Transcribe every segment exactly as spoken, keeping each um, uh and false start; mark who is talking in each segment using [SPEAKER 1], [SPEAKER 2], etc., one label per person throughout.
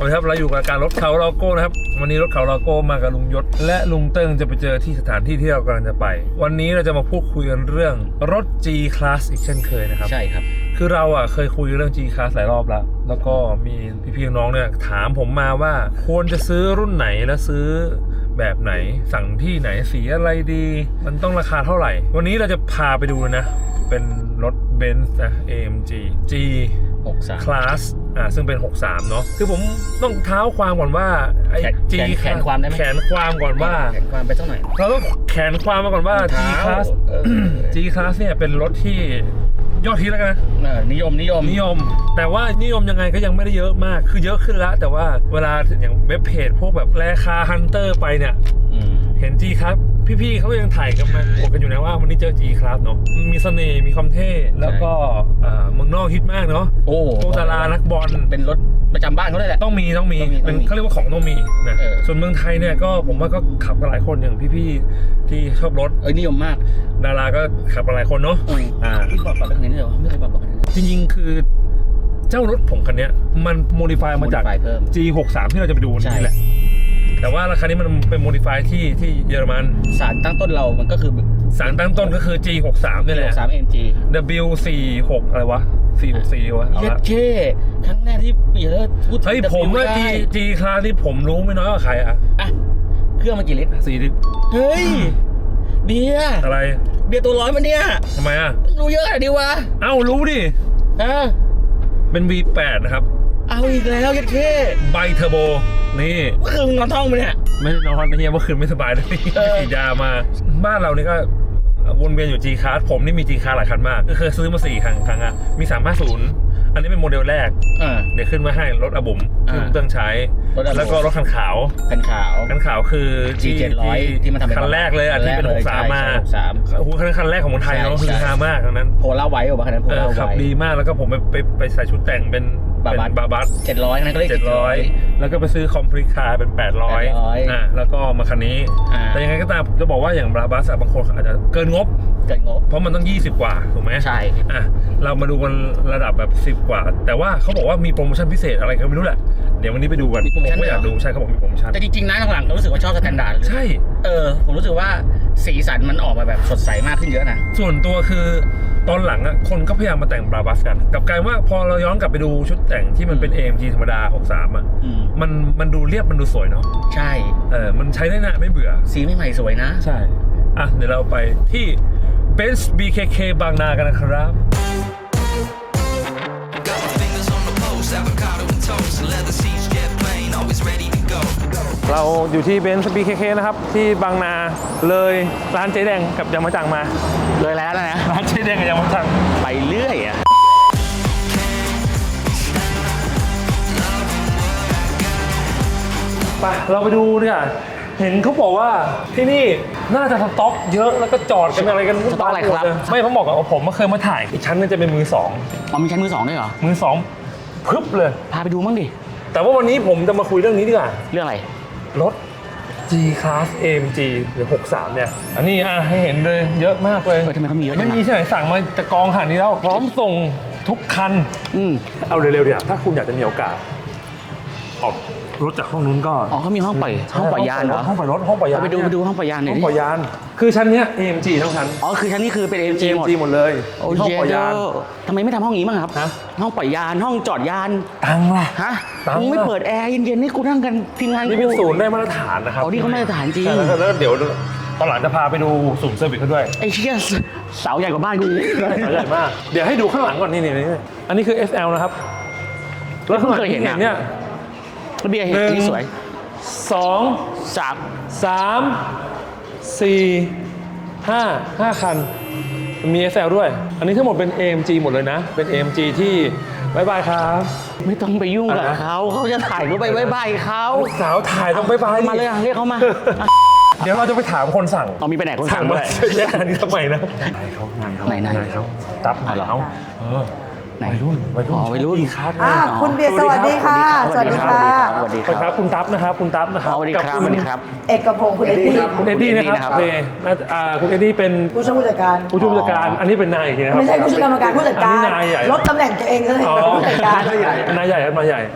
[SPEAKER 1] วัสดีครับเราอยู่กับการรถเขาโลโก้นะครับวันนี้รถเขาโลโก้มากับลุงยศและลุงเติ้งจะไปเจอที่สถานที่ที่เรากำลังจะไปวันนี้เราจะมาพูดคุยกันเรื่องรถ G Class อีกเช่นเคยนะครับ
[SPEAKER 2] ใช่ครับ
[SPEAKER 1] คือเราอ่ะเคยคุยเรื่อง G Class หลายรอบแล้วแล้วก็มีพี่ๆน้องเนี่ยถามผมมาว่าควรจะซื้อรุ่นไหนและซื้อแบบไหนสั่งที่ไหนสีอะไรดีมันต้องราคาเท่าไหร่วันนี้เราจะพาไปดูนะเป็นรถ Benz นะ เอ เอ็ม จี G
[SPEAKER 2] หกสิบสาม
[SPEAKER 1] Class อ่าซึ่งเป็นหกสิบสามเนาะคือผมต้องเท้าความก่อนว่าไอ้ G
[SPEAKER 2] แขนความได้ไหม
[SPEAKER 1] แขนความก่อนว่า
[SPEAKER 2] แขนความไปสักหน่อย
[SPEAKER 1] เราต้องแขนความมาก่อนว่า G Class G Class เนี่ยเป็นรถที่ยอดฮิตแล้วกัน
[SPEAKER 2] นิยมนิยม
[SPEAKER 1] นิยมแต่ว่านิยมยังไงก็ยังไม่ได้เยอะมากคือเยอะขึ้นแล้วแต่ว่าเวลาอย่างเว็บเพจพวกแบบแลคาฮันเตอร์ไปเนี่ยเห็น G Class พี่ๆเขายังถ่ายกันมาบอกกันอยู่นะว่าวันนี้เจอ G Class เนาะมีเสน่ห์มีความเท่แล้วก็เมืองนอกฮิตมากเนาะ
[SPEAKER 2] โอ้
[SPEAKER 1] พวกดารานักบอล
[SPEAKER 2] เป็นรถประจำบ้านเขาเลยแหละ
[SPEAKER 1] ต้องมีต้องมีเป็นเขาเรียกว่าของต้องมีนะส่วนเมืองไทยเนี่ยก็ผมว่าก็ขับกันหลายคนอย่างพี่ๆที่ชอบรถ
[SPEAKER 2] เอ้ยนิยมมาก
[SPEAKER 1] ดาราก็ขับกันหลายคนเนาะ
[SPEAKER 2] อ่าพี่บอกบอกแบบนี้เลยเหรอไม่เคยบอกบอก
[SPEAKER 1] จริงๆคือเจ้ารถผมคันนี้มันโมดิฟายมาจาก G หกสิบสาม ที่เราจะไปดูนี่แหละแต่ว่าราคานี้มันเป็นโมดิฟายที่ที่เยอรมัน
[SPEAKER 2] สารตั้งต้นเรามันก็คือ
[SPEAKER 1] สารตั้งต้นก็คือ G หกสิบสาม นี่แหละ
[SPEAKER 2] หกสิบสาม เอ็ม จี
[SPEAKER 1] ดับเบิลยู สี่สิบหก อะไรวะสี่หกสี่วะ
[SPEAKER 2] เย็ดเช่ครั้งแรกที่เปียร์พูด
[SPEAKER 1] เฮ้ยผมว่า G G คลาสนี่ผมรู้ไม่น้อยกว่าใครอ่ะ
[SPEAKER 2] อ่ะเครื่องมันกี่ลิตร
[SPEAKER 1] สี่ลิตร
[SPEAKER 2] เฮ้ยเบียร์
[SPEAKER 1] อะไร
[SPEAKER 2] เบียร์ตัวร้อยมันเนี่ย
[SPEAKER 1] ทำไมอ่ะ
[SPEAKER 2] รู้เยอะอะดิวะ
[SPEAKER 1] เอ้ารู้ดิ
[SPEAKER 2] ฮะ
[SPEAKER 1] เป็น วี แปด นะครับ
[SPEAKER 2] เอาอีกแล้วเย็ดเช่
[SPEAKER 1] ไบเทอร์โบนี่
[SPEAKER 2] เมื่อคืนนอนท้องไปเนี่ย
[SPEAKER 1] ไม่นอนนะเฮียเมื่อคืนไม่สบายเลยฉีดยามาบ้านเรานี่ก็วนเวียนอยู่ G Class ผมนี่มี G Class หลายคันมากก็เคยซื้อมาสี่ครั้งครั้งอ่ะมีสามห้าศูนย์อันนี้เป็นโมเดลแรกเดี๋ยวขึ้นมาให้รถอาบุ๋มที่ผมต้องใช้แล้วก็รถคันขาว
[SPEAKER 2] คันขาว
[SPEAKER 1] คันขาวคือ
[SPEAKER 2] G เจ็ดร้อยที่มันทำเป็น
[SPEAKER 1] คันแรกเลยอ่ะที่เป็นหกสิบสามมาโอ้โหคันคันแรกของคนไทยเนาะคือฮามากทั้งนั้น
[SPEAKER 2] โพล่าไว้ป่ะคันนั้นโพล่าไว้
[SPEAKER 1] ขับดีมากแล้วก็ผมไปไปไปใส่ชุดแต่งเป็นบาบัสบาบัส
[SPEAKER 2] เจ็ดร้อยนั่นก็เรียก
[SPEAKER 1] เจ็ดร้อยแล้วก็ไปซื้อคอมพลีทคาร์เป็นแปดร้อยอ่ะแล้วก็มาคันนี้แต่ยังไงก็ตามจะบอกว่าอย่างบาบัสบางคนอาจจะเกินงบ
[SPEAKER 2] เกินงบ
[SPEAKER 1] เพราะมันต้องยี่สิบกว่าถูกไหม
[SPEAKER 2] ใช่
[SPEAKER 1] อ่ะเรามาดูกันระดับแบบสิบกว่าแต่ว่าเขาบอกว่ามีโปรโมชั่นพิเศษอะไรก็ไม่รู้แหละเดี๋ยววันนี้ไปดูกันผมก็อยากดูใช่เขาบอกมีโปรโมชั่น
[SPEAKER 2] แต่จริงๆนะหลังๆก็รู้สึกว่าชอบสแตนดาร์ด
[SPEAKER 1] ใช่
[SPEAKER 2] เออผมรู้สึกว่าสีสันมันออกมาแบบสดใสมากขึ้นเยอะนะ
[SPEAKER 1] ส่วนตัวคือตอนหลังอ่ะคนก็พยายามมาแต่งบาบัสกันกับกลายว่าพอเราย้อนกลับไปดูชุดแต่งที่มันเป็น เอ เอ็ม จี ธรรมดาหกสิบสามอ่ะมันมันดูเรียบมันดูสวยเนาะ
[SPEAKER 2] ใช่
[SPEAKER 1] เออมันใช้ได้นานไม่เบื่อ
[SPEAKER 2] สีไม่ใหม่สวยนะ
[SPEAKER 1] ใช่อ่ะเดี๋ยวเราไปที่ Benz บี เค เค บางนากันนะครับเราอยู่ที่ Benz บี เค เค นะครับที่บางนาเลยร้านเจ๊แดงกับยามาจังมา
[SPEAKER 2] เลยแล้วนะ
[SPEAKER 1] ร้านเจ๊แดงกับยามาจัง
[SPEAKER 2] ไปเรื่อยอ่ะ
[SPEAKER 1] ไปเราไปดูดีกว่าเห็นเขาบอกว่าที่นี่น่าจะสต็อกเยอะแล้วก็จอดกันอะไรกัน
[SPEAKER 2] สต็อกอะไรครับ
[SPEAKER 1] ไม่ผมบอกกับผมเคยมาถ่ายอีกชั้นนึงจะเป็นมือสอง
[SPEAKER 2] อ๋อมีชั้นมือสองด้วยเหรอ
[SPEAKER 1] มือสองพึบเลย
[SPEAKER 2] พาไปดูมั่งดิ
[SPEAKER 1] แต่ว่าวันนี้ผมจะมาคุยเรื่องนี้ดีกว่า
[SPEAKER 2] เรื่องอะไร
[SPEAKER 1] รถ G Class เอ เอ็ม จี หรือหกสิบสามเนี่ยอันนี้อ่ะให้เห็นเลยเยอะมากเลย
[SPEAKER 2] เออทำไมเขามีเยอะ
[SPEAKER 1] ไม่มีที่ไหนสั่งมาจะกองขนาดนี้แล้วพร้อมส่งทุกคัน
[SPEAKER 2] อืม
[SPEAKER 1] เอาเร็วๆเดี๋ยวถ้าคุณอยากจะมีโอกาสออกรถจากห้องนู้นก็
[SPEAKER 2] อ๋อเขามีห้องปล่อยห้องปล่อยยานเหรอ
[SPEAKER 1] ห้องปล่อยรถห้องปล่อยยาน
[SPEAKER 2] ไปดูไปดูห้องปล่อยยานหน่อย
[SPEAKER 1] ห้องปล่อยยานคือชั้นเนี้ย เอ เอ็ม จี ทั้งชั้น
[SPEAKER 2] อ๋อคือชั้นนี้คือเป็น เอ เอ็ม จี หมด
[SPEAKER 1] หมดเลย
[SPEAKER 2] ห้องปล่อยยานทำไมไม่ทำห้องนี้บ้างครับห้องปล่อยยานห้องจอดยาน
[SPEAKER 1] ตังล่ะ
[SPEAKER 2] ฮะมึงไม่เปิดแอร์เย็นๆนี่กูนั่งกันทีมงาน
[SPEAKER 1] นี่เป็นศูนย์ได้มาตรฐานนะครับ
[SPEAKER 2] อ๋อนี่เขามาตรฐานจริง
[SPEAKER 1] แล้วเดี๋ยวตอนหลังจะพาไปดูศูนย์เซอร์วิสเขาด้วย
[SPEAKER 2] ไอ้เชี่ยเสาใหญ่กว่าบ้านกู
[SPEAKER 1] เสาใหญ่มากเดี๋ยวให้ดูข้างหลังก่อนนี่นี่อันนี้คือ เอส แอล นะครับ
[SPEAKER 2] แล้วเพิ่งเคยเห็นเนี่ยระเบียงเห็นที่สวย
[SPEAKER 1] สอง
[SPEAKER 2] สาม
[SPEAKER 1] สามสี่ห้าห้าคันมี เอส แอล ด้วยอันนี้ทั้งหมดเป็น เอ เอ็ม จี หมดเลยนะเป็น เอ เอ็ม จี ที่บายบายครับ
[SPEAKER 2] ไม่ต้องไปยุ่งกับเขาเขาจะถ่ายก็ไปบายบายเขา
[SPEAKER 1] สาวถ่ายต้องบายบาย
[SPEAKER 2] มาเลยเรียกเขามา
[SPEAKER 1] เดี๋ยวเราจะไปถามคนสั่ง
[SPEAKER 2] เรามีไปไหนคนสั่งด้วย
[SPEAKER 1] แย่อันนี้ทำไมนะ
[SPEAKER 2] ไหนเขาไหนไหน
[SPEAKER 1] เขาตับไหนเขาเออ
[SPEAKER 2] ไหนรุ่นวัยรุ่น
[SPEAKER 1] วัยรุ่นครับ
[SPEAKER 3] คุณเบียร์สวัสดีค่ะ
[SPEAKER 2] สวัสดีครับสวัสดีครับ
[SPEAKER 1] ครับคุณตั๊บนะครับคุณตั๊บนะครับ
[SPEAKER 2] สวัสดีครับสวัสดีครับ
[SPEAKER 3] เอกพงศ์คุณเอ็ดดี้
[SPEAKER 1] คุณเอ็ดดี้นะครับเคุณเอ็ดดี้เป็น
[SPEAKER 3] ผู้ช่วยผู้จัดการ
[SPEAKER 1] ผู้ช่วยผู้จัดการอันนี้เป็นนายอีกนะครับ
[SPEAKER 3] ไม่ใช่ผู้ช่วยกรรมการผู้จัดการลดตำแหน่งตัวเองเลยผู้จัดการ
[SPEAKER 1] นายใหญ่นายใหญ่นายใหญ่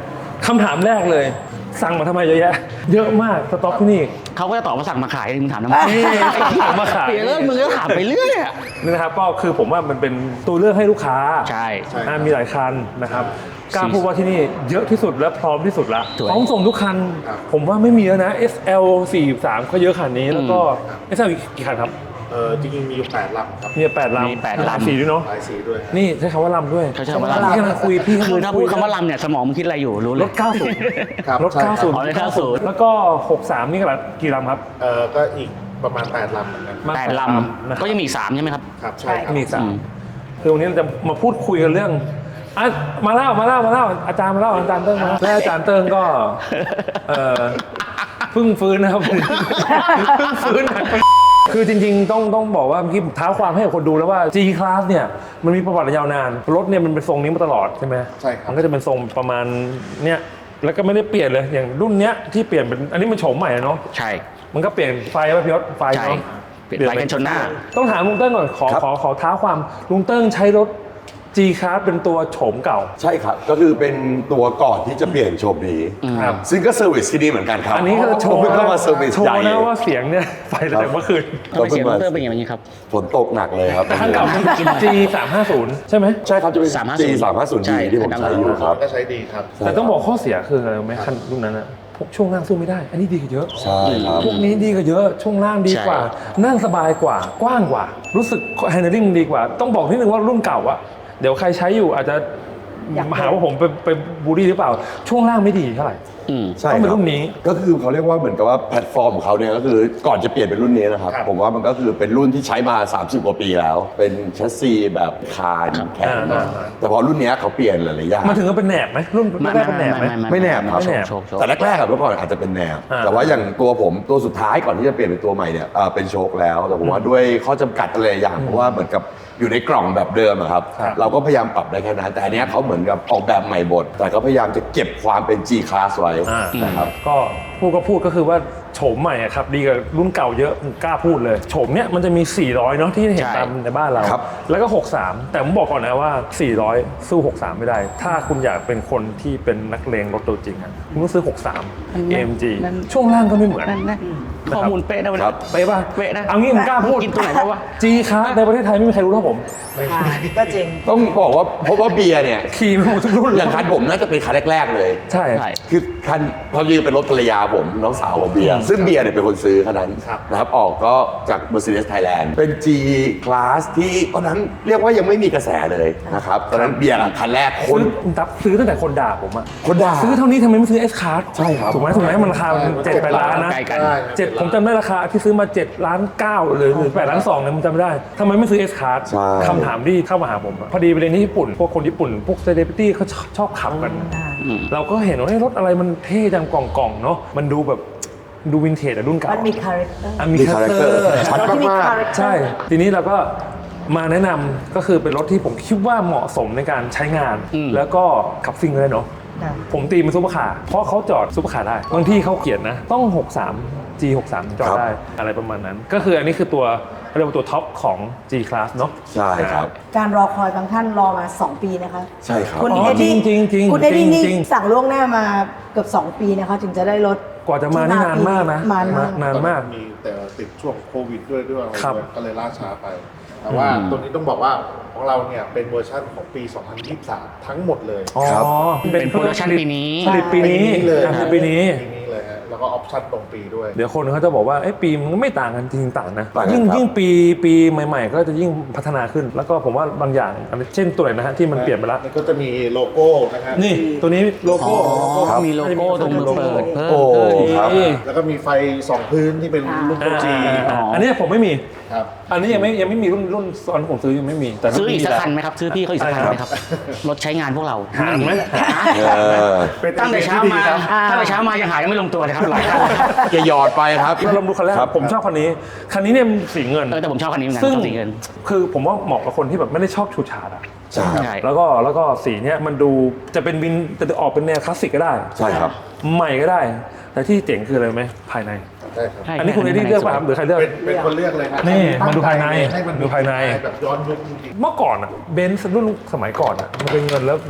[SPEAKER 1] คำถามแรกเลย สั่งมาทำไมเยอะแยะ เยอะมากสต็อกที่นี่
[SPEAKER 2] เขาก็จะตอบมาสั่งมาขายมึงถามทำไม
[SPEAKER 1] สั่งมาขาย
[SPEAKER 2] เปลี่ยนเรื่องมึงก็ถามไปเรื่อยอะ
[SPEAKER 1] นี่นะครับก็คือผมว่ามันเป็นตัวเลือกให้ลูกค้า
[SPEAKER 2] ใช่
[SPEAKER 1] อ่ามีหลายคันนะครับกล้าพูดว่าที่นี่เยอะที่สุดและพร้อมที่สุดละ
[SPEAKER 2] สวย
[SPEAKER 1] พร้อมส่งทุกคัน ผมว่าไม่มีแล้วนะ เอส แอล สี่สิบสาม ก็เยอะขนาดนี้แล้วก็ เอส แอล กี่คันครับ
[SPEAKER 4] เออจริงๆมีอยู่แปดลำครับ
[SPEAKER 1] มีแปดลำ
[SPEAKER 2] มีแปดลำ
[SPEAKER 1] หลายสีด้วยเนาะ
[SPEAKER 4] หลายสีด้วย
[SPEAKER 1] นี่ใช้คำว่าลำด้วย
[SPEAKER 2] เขาใช้คำว่าลำ
[SPEAKER 1] พี่กำลังคุยพี่กำลัง
[SPEAKER 2] คือถ้าพูดคำว่า
[SPEAKER 1] คุย
[SPEAKER 2] ลำเนี่ยสมองมึงคิดอะไรอยู่รู้เล
[SPEAKER 1] ร
[SPEAKER 2] ย
[SPEAKER 1] ถเก้าสิบ
[SPEAKER 4] ครับ
[SPEAKER 1] รถ
[SPEAKER 4] ใช่ครับ
[SPEAKER 1] เก้าสิบ
[SPEAKER 2] อ๋อรถเก้าสิบ
[SPEAKER 1] แล้วก็หกสิบสามนี่กี่ลำครับ
[SPEAKER 4] เออก็อีกประมาณแปดลำเหมือนกัน
[SPEAKER 1] มา
[SPEAKER 2] แปดล
[SPEAKER 1] นะ
[SPEAKER 2] ำก็ยังมีอีกสามใช่ไหมครับ
[SPEAKER 4] ครับใช่ครับ
[SPEAKER 1] มีอีกสาม
[SPEAKER 2] อืม
[SPEAKER 1] คือวันนี้เราจะมาพูดคุยกันเรื่องอ่ะมาเล่ามาเล่ามาเล่าอาจารย์มาเล่าอาจารย์เติ้งมาแล้วอาจารย์เติ้งก็เออเพิ่งฟื้นนะครับ เพิ่งฟื้นคือจริงๆต้องต้องบอกว่าเมื่อกี้ท้าความให้กับคนดูแล้วว่า G Class เนี่ยมันมีประวัติยาวนานรถเนี่ยมันเป็นทรงนี้มาตลอดใช่ไหม
[SPEAKER 4] ใช่ครับ
[SPEAKER 1] มันก็จะเป็นทรงประมาณเนี้ยแล้วก็ไม่ได้เปลี่ยนเลยอย่างรุ่นเนี้ยที่เปลี่ยนเป็นอันนี้มันโฉมใหม่เนาะ
[SPEAKER 2] ใช่
[SPEAKER 1] มันก็เปลี่ยนไฟป่ะพี่ยศไฟ
[SPEAKER 2] ใช่
[SPEAKER 1] เนาะ
[SPEAKER 2] เปลี่ยนไฟกันชนหน้า
[SPEAKER 1] ต้องถามลุงเติ้งก่อนขอ
[SPEAKER 5] ครับ
[SPEAKER 1] ขอขอท้าความลุงเติ้งใช้รถ G Class เป็นตัวโฉมเก่า
[SPEAKER 5] ใช่ครับ ก็คือเป็นตัวก่อนที่จะเปลี่ยนโฉมนี้
[SPEAKER 1] ครับ
[SPEAKER 5] ซึ่งก็เซอร์วิสที่นี่เหมือนกันครับ
[SPEAKER 1] อันนี้ก็โชว์
[SPEAKER 5] ผมเพิ่งเข้ามาเซอร์วิส
[SPEAKER 1] โชว์
[SPEAKER 5] ใหญ่
[SPEAKER 1] นะว่าเสียงเนี่ยไฟตั้งแต่เมื่อคืน
[SPEAKER 2] ทำไมเสียงดรเป็นอย่างนี้ครับ
[SPEAKER 5] ฝนตกหนักเลยครับ
[SPEAKER 1] แต่คันเก่า G สามห้าศูนย์ใช่ไหม
[SPEAKER 5] ใช่ครับจะเป็น
[SPEAKER 2] สามห้าศูนย์
[SPEAKER 5] G สามห้าศูนย์
[SPEAKER 2] ใช่
[SPEAKER 5] D ที่ผมใช้อยู่ครับ
[SPEAKER 4] ก็ใช้ดีครับ
[SPEAKER 1] แต่ต้องบอกข้อเสียคืออะไรรู้ไหมคันรุ่นนั้นอะพวกช่วงล่างสู้ไม่ได้ อันนี้ดีกว่าเยอะ
[SPEAKER 5] ใช่ครับ
[SPEAKER 1] พวกนี้ดีกว่าเยอะช่วงล่างดีกว่า นั่งสบายกว่ากว้างกว่า รู้สึก handling ดีกว่า ต้องบอกนิดนึงว่ารุ่นเก่าอะเดี๋ยวใครใช้อยู่อาจจะ
[SPEAKER 3] อยาก
[SPEAKER 1] หาว่าผมไปไปบูลลี่หรือเปล่า ช่วงล่างไม่ดีเท่าไหร่
[SPEAKER 2] อืม
[SPEAKER 5] ใช่
[SPEAKER 1] ต้องเป็น
[SPEAKER 5] คบ
[SPEAKER 1] รุ่นนี้
[SPEAKER 5] ก็คือเขาเรียกว่าเหมือนกับว่าแพลตฟอร์มของเขาเนี่ยก็คือก่อนจะเปลี่ยนเป็นรุ่นนี้นะครับ
[SPEAKER 4] ครับ
[SPEAKER 5] ผมว่ามันก็คือเป็นรุ่นที่ใช้มา สามสิบ กว่าปีแล้ว เป็นแชสซีแบบคานแข็ง
[SPEAKER 1] อ่า
[SPEAKER 5] แต่พอรุ่นเนี้ยเขาเปลี่ยนหลายๆอย่าง
[SPEAKER 1] มันถึงกับเป็นแหนบไหมรุ่นแรกๆเป็นแหนบไหม
[SPEAKER 5] ไม่แนบครับ
[SPEAKER 1] ไม่แนบ
[SPEAKER 2] โชว์โชว์
[SPEAKER 5] แต่แรกๆอะเมื่อก่อนอาจจะเป็นแนบ
[SPEAKER 1] อ่า
[SPEAKER 5] แต่ว่าอย่างตัวผมตัวสุดท้ายก่อนที่จะเปลี่ยนเป็นตัวใหม่เนี่ยเอ่อเป็นโชคแล้ว แต่ผมว่าด้วยข้อจำกัดอะไรอย่างเพราะว่าเหมือนกับอยู่ในกล่องแบบเดิมอะครับ
[SPEAKER 1] ครับ
[SPEAKER 5] เราก็พยายามปรับได้แค่นั้น แต่อันเนี้ยเขาเหมือนกับออกแบบใหม่บดแต่ก็พยายามจะเก็บความเป็น G Class ไว้
[SPEAKER 1] อ่า
[SPEAKER 5] นะครับ
[SPEAKER 1] ก็พูดก็พูดก็คือว่าโฉมใหม่อะครับดีกว่ารุ่นเก่าเยอะผมกล้าพูดเลยโฉมเนี้ยมันจะมี สี่ร้อย เนาะที่เห็น
[SPEAKER 2] ใช่
[SPEAKER 1] ตามในบ้านเรา
[SPEAKER 5] ครับ
[SPEAKER 1] แล้วก็ หกสิบสาม แต่ผมบอกก่อนนะว่า สี่ร้อย สู้ หกสิบสาม ไม่ได้ ถ้าคุณอยากเป็นคนที่เป็นนักเลงรถตัวจริงอะคุณต้องซื้อ หกสิบสาม
[SPEAKER 2] นั่น
[SPEAKER 1] เอ
[SPEAKER 2] นะ
[SPEAKER 1] เอ็ม จี
[SPEAKER 2] นั่น
[SPEAKER 1] ช่วงล่างก็ไม่เหมือน
[SPEAKER 2] นั่นนะข้อมูลเป๊ะนะวัน
[SPEAKER 5] ค
[SPEAKER 2] นี้
[SPEAKER 5] รับ
[SPEAKER 1] ไปป่ะ
[SPEAKER 2] เป๊ะนะ
[SPEAKER 1] เอางี้ผมกล้าพูด
[SPEAKER 2] กินตัวไหนไปวะ
[SPEAKER 1] G Class ในประเทศไทยไม่มีใครรู้เท่าผม
[SPEAKER 3] อ่าก็จริง
[SPEAKER 5] ต้องบอกว่าเพราะว่าเบียร์เนี่ย
[SPEAKER 1] ขี่มาหมดทุกรุ่น
[SPEAKER 5] อย่างคันผมน่าจะเป็นคันแรกๆเลย
[SPEAKER 1] ใช่
[SPEAKER 2] ใช่
[SPEAKER 5] คือคันพอดีเป็นรถภรรยาผมน้องสาวของเบียร์ซึ่งเบียร์เนี่ยเป็นคนซื้อคันนั้น
[SPEAKER 4] ครับ
[SPEAKER 5] นะครับออกก็จาก Mercedes Thailand เป็น G Class ที่ตอนนั้นเรียกว่ายังไม่มีกระแสเลยนะครับตอนนั้นเบียร์อะคันแรกค
[SPEAKER 1] ซื้
[SPEAKER 5] น
[SPEAKER 1] อคุณตับซื้อตั้งแต่คนด่าผมอะ
[SPEAKER 5] คนด่า
[SPEAKER 1] ซื้อเท่านี้ทำไมไม่ซื้อ S Class
[SPEAKER 5] ใช่ครับ
[SPEAKER 1] ถูกไหมถูกไหมมันราคาเจ็ดแปดล้านนะ
[SPEAKER 2] ใกล้กัน
[SPEAKER 4] ได้
[SPEAKER 1] เจ็ดผมจำได้ราคาที่ซื้อมาเจ็ดล้านเก้าหรือหรือแปดล้านสองเนี่ยผมจำไม่ได้ทำไมไม่ซื้อ S Class
[SPEAKER 5] ใช่
[SPEAKER 1] คำถามที่เข้ามาหาผมอะพอดีไปเรียนที่ญี่ปุ่น พวกคนญี่ปุ่น พวกเซเลบริตี้เขาชอบชอบขับกัน
[SPEAKER 2] อืม
[SPEAKER 1] เราก็เห็นว่าเฮ้ยรถอะไรมันเท่จังกล่องๆเนาะมันดูแบบดูวินเทจอะรุ่นเก่า
[SPEAKER 3] มันมีคาแรคเตอร์
[SPEAKER 1] อ่ะมี
[SPEAKER 5] มี
[SPEAKER 1] คา
[SPEAKER 5] คา
[SPEAKER 1] แร
[SPEAKER 5] แร
[SPEAKER 1] ค
[SPEAKER 5] ค
[SPEAKER 1] เต
[SPEAKER 5] เต
[SPEAKER 1] อ
[SPEAKER 5] อ
[SPEAKER 1] ร์
[SPEAKER 5] ร์ชัด
[SPEAKER 3] ที่มี
[SPEAKER 5] มาก
[SPEAKER 3] คาแรคเตอร์
[SPEAKER 1] ใช่ ทีนี้เราก็มาแนะนำก็คือเป็นรถที่ผมคิดว่าเหมาะสมในการใช้งาน
[SPEAKER 2] อืม
[SPEAKER 1] แล้วก็ขับซิ่งเลยเนาะ
[SPEAKER 3] ค่ะ
[SPEAKER 1] ผมตีมันซุปเปอร์คาร์เพราะเขาจอดซุปเปอร์คาร์ได้ บางที่เขาเขียนนะ ต้อง หกสิบสาม G หกสิบสาม จอด
[SPEAKER 5] ครับ
[SPEAKER 1] ได้อะไรประมาณนั้น ก็คืออันนี้คือตัวเรียกว่าตัวท็อปของ G Class เนาะ
[SPEAKER 5] ใช่ครับ
[SPEAKER 3] การรอคอยบางท่านรอมา สอง ปีนะคะ
[SPEAKER 5] ใช่ครับ
[SPEAKER 3] คุณ
[SPEAKER 1] อ๋อ
[SPEAKER 3] เอ็ดดี้
[SPEAKER 1] จริงๆจริงๆ
[SPEAKER 3] คุณเอ็ดดี้นี่
[SPEAKER 1] จริงๆ
[SPEAKER 3] สั่งล่วงหน้ามาเกือบ สอง ปีนะคะถึงจะได้รถ
[SPEAKER 1] กว่าจะมานี่นานมากนะ
[SPEAKER 3] นานมาก
[SPEAKER 1] นานมาก
[SPEAKER 4] มีแต่ติดช่วงโควิดด้วยด้วยอะไร
[SPEAKER 1] ครับ
[SPEAKER 4] ด้วยก็เลยล่าช้าไป แต่ว่า
[SPEAKER 2] อืม
[SPEAKER 4] ตัวนี้ต้องบอกว่าของเราเนี่ยเป็นเวอร์ชันของปี สองพันยี่สิบสาม ทั้งหมดเลย
[SPEAKER 1] อ๋อ
[SPEAKER 5] ครับ
[SPEAKER 2] เป็นโปรดักชันปีนี้
[SPEAKER 1] ผลิตปีนี้
[SPEAKER 4] เลย
[SPEAKER 1] อ่ะคือปีนี้
[SPEAKER 4] ปีนี้เลยฮะแล้วก็ออปชั่นตรงปีด้วย
[SPEAKER 1] เดี๋ยวคนเขาจะบอกว่าเอ้ปีมันก็ไม่ต่างกันจริงๆต่างนะ
[SPEAKER 5] ต่างกัน
[SPEAKER 1] ยิ่ง
[SPEAKER 5] ครับ
[SPEAKER 1] ยิ่งปีปีใหม่ ๆ ก็จะยิ่งพัฒนาขึ้น แล้วก็ผมว่าบางอย่างอันนี้เช่นตัวไหนนะฮะที่มันเปลี่ยนไปแล้ว
[SPEAKER 4] นี่ก็จะมีโลโก้นะฮะ
[SPEAKER 1] นี่ตัวนี้โลโก้
[SPEAKER 2] อ๋อ
[SPEAKER 5] ครับ
[SPEAKER 2] มีโลโก้ตรงมือเปิดเพิ่ม
[SPEAKER 5] โอ้
[SPEAKER 1] เออ
[SPEAKER 5] ครับ
[SPEAKER 1] ดี
[SPEAKER 4] แล้วก็มีไฟสองพื้นที่เป็นรุ่นตัวจี
[SPEAKER 1] อ่าอันนี้ผมไม่มี
[SPEAKER 4] ครับ
[SPEAKER 1] อันนี้ยังไม่ยังไม่มีรุ่นรุ่นตอนผมซื้อยังไม่มีแต่
[SPEAKER 2] ซื้ออีกสัก
[SPEAKER 1] แล้ว
[SPEAKER 2] คันไหมครับ ซื้อพี่เขาอีกสักคันไหมครับ รถใช้งานพวกเรา
[SPEAKER 1] หางไหม
[SPEAKER 5] เออ
[SPEAKER 2] ตั้งแต่เช้ามาตั้งแต่เช้ามายังหายังไม่ลงตัวเลยครับหลายคัน
[SPEAKER 5] จะหยอดไปครับ
[SPEAKER 1] เราลองดูคันแรก
[SPEAKER 5] ครับ
[SPEAKER 1] ผมชอบคันนี้คันนี้เนี่ยมันสีเงิน
[SPEAKER 2] เออแต่ผมชอบคันนี้เหมือนกัน
[SPEAKER 1] ซึ่ง
[SPEAKER 2] ชอบสีเงิน
[SPEAKER 1] คือผมว่าเหมาะกับคนที่แบบไม่ได้ชอบฉูดฉาดอะ
[SPEAKER 5] ใช่ครับ
[SPEAKER 2] ใช่
[SPEAKER 1] แล้วก็แล้วก็สีเนี้ยมันดูจะเป็นวินจะออกเป็นแนวคลาสสิกก็ได้
[SPEAKER 5] ใช่ครับ
[SPEAKER 1] ใหม่ก็ได้ แต่ที่เจ๋งคืออะไรรู้ไหมภายใน
[SPEAKER 4] ใช่ครับ
[SPEAKER 2] ใช่
[SPEAKER 1] อันนี้คุณเอดี้เลือกป่ะครับหรือใครเลือก
[SPEAKER 4] เป็นเป็นคนเลือกเลยครับ
[SPEAKER 1] นี่
[SPEAKER 4] ตั้ง
[SPEAKER 1] มาดูภายใน
[SPEAKER 4] ใจให้มัน
[SPEAKER 1] ดูภายใน
[SPEAKER 4] แบบย้อนยุคจริง
[SPEAKER 1] เมื่อก่อนอะเบนซ์รุ่นสมัยก่อนอะมันเป็นเงินแล้วแบบ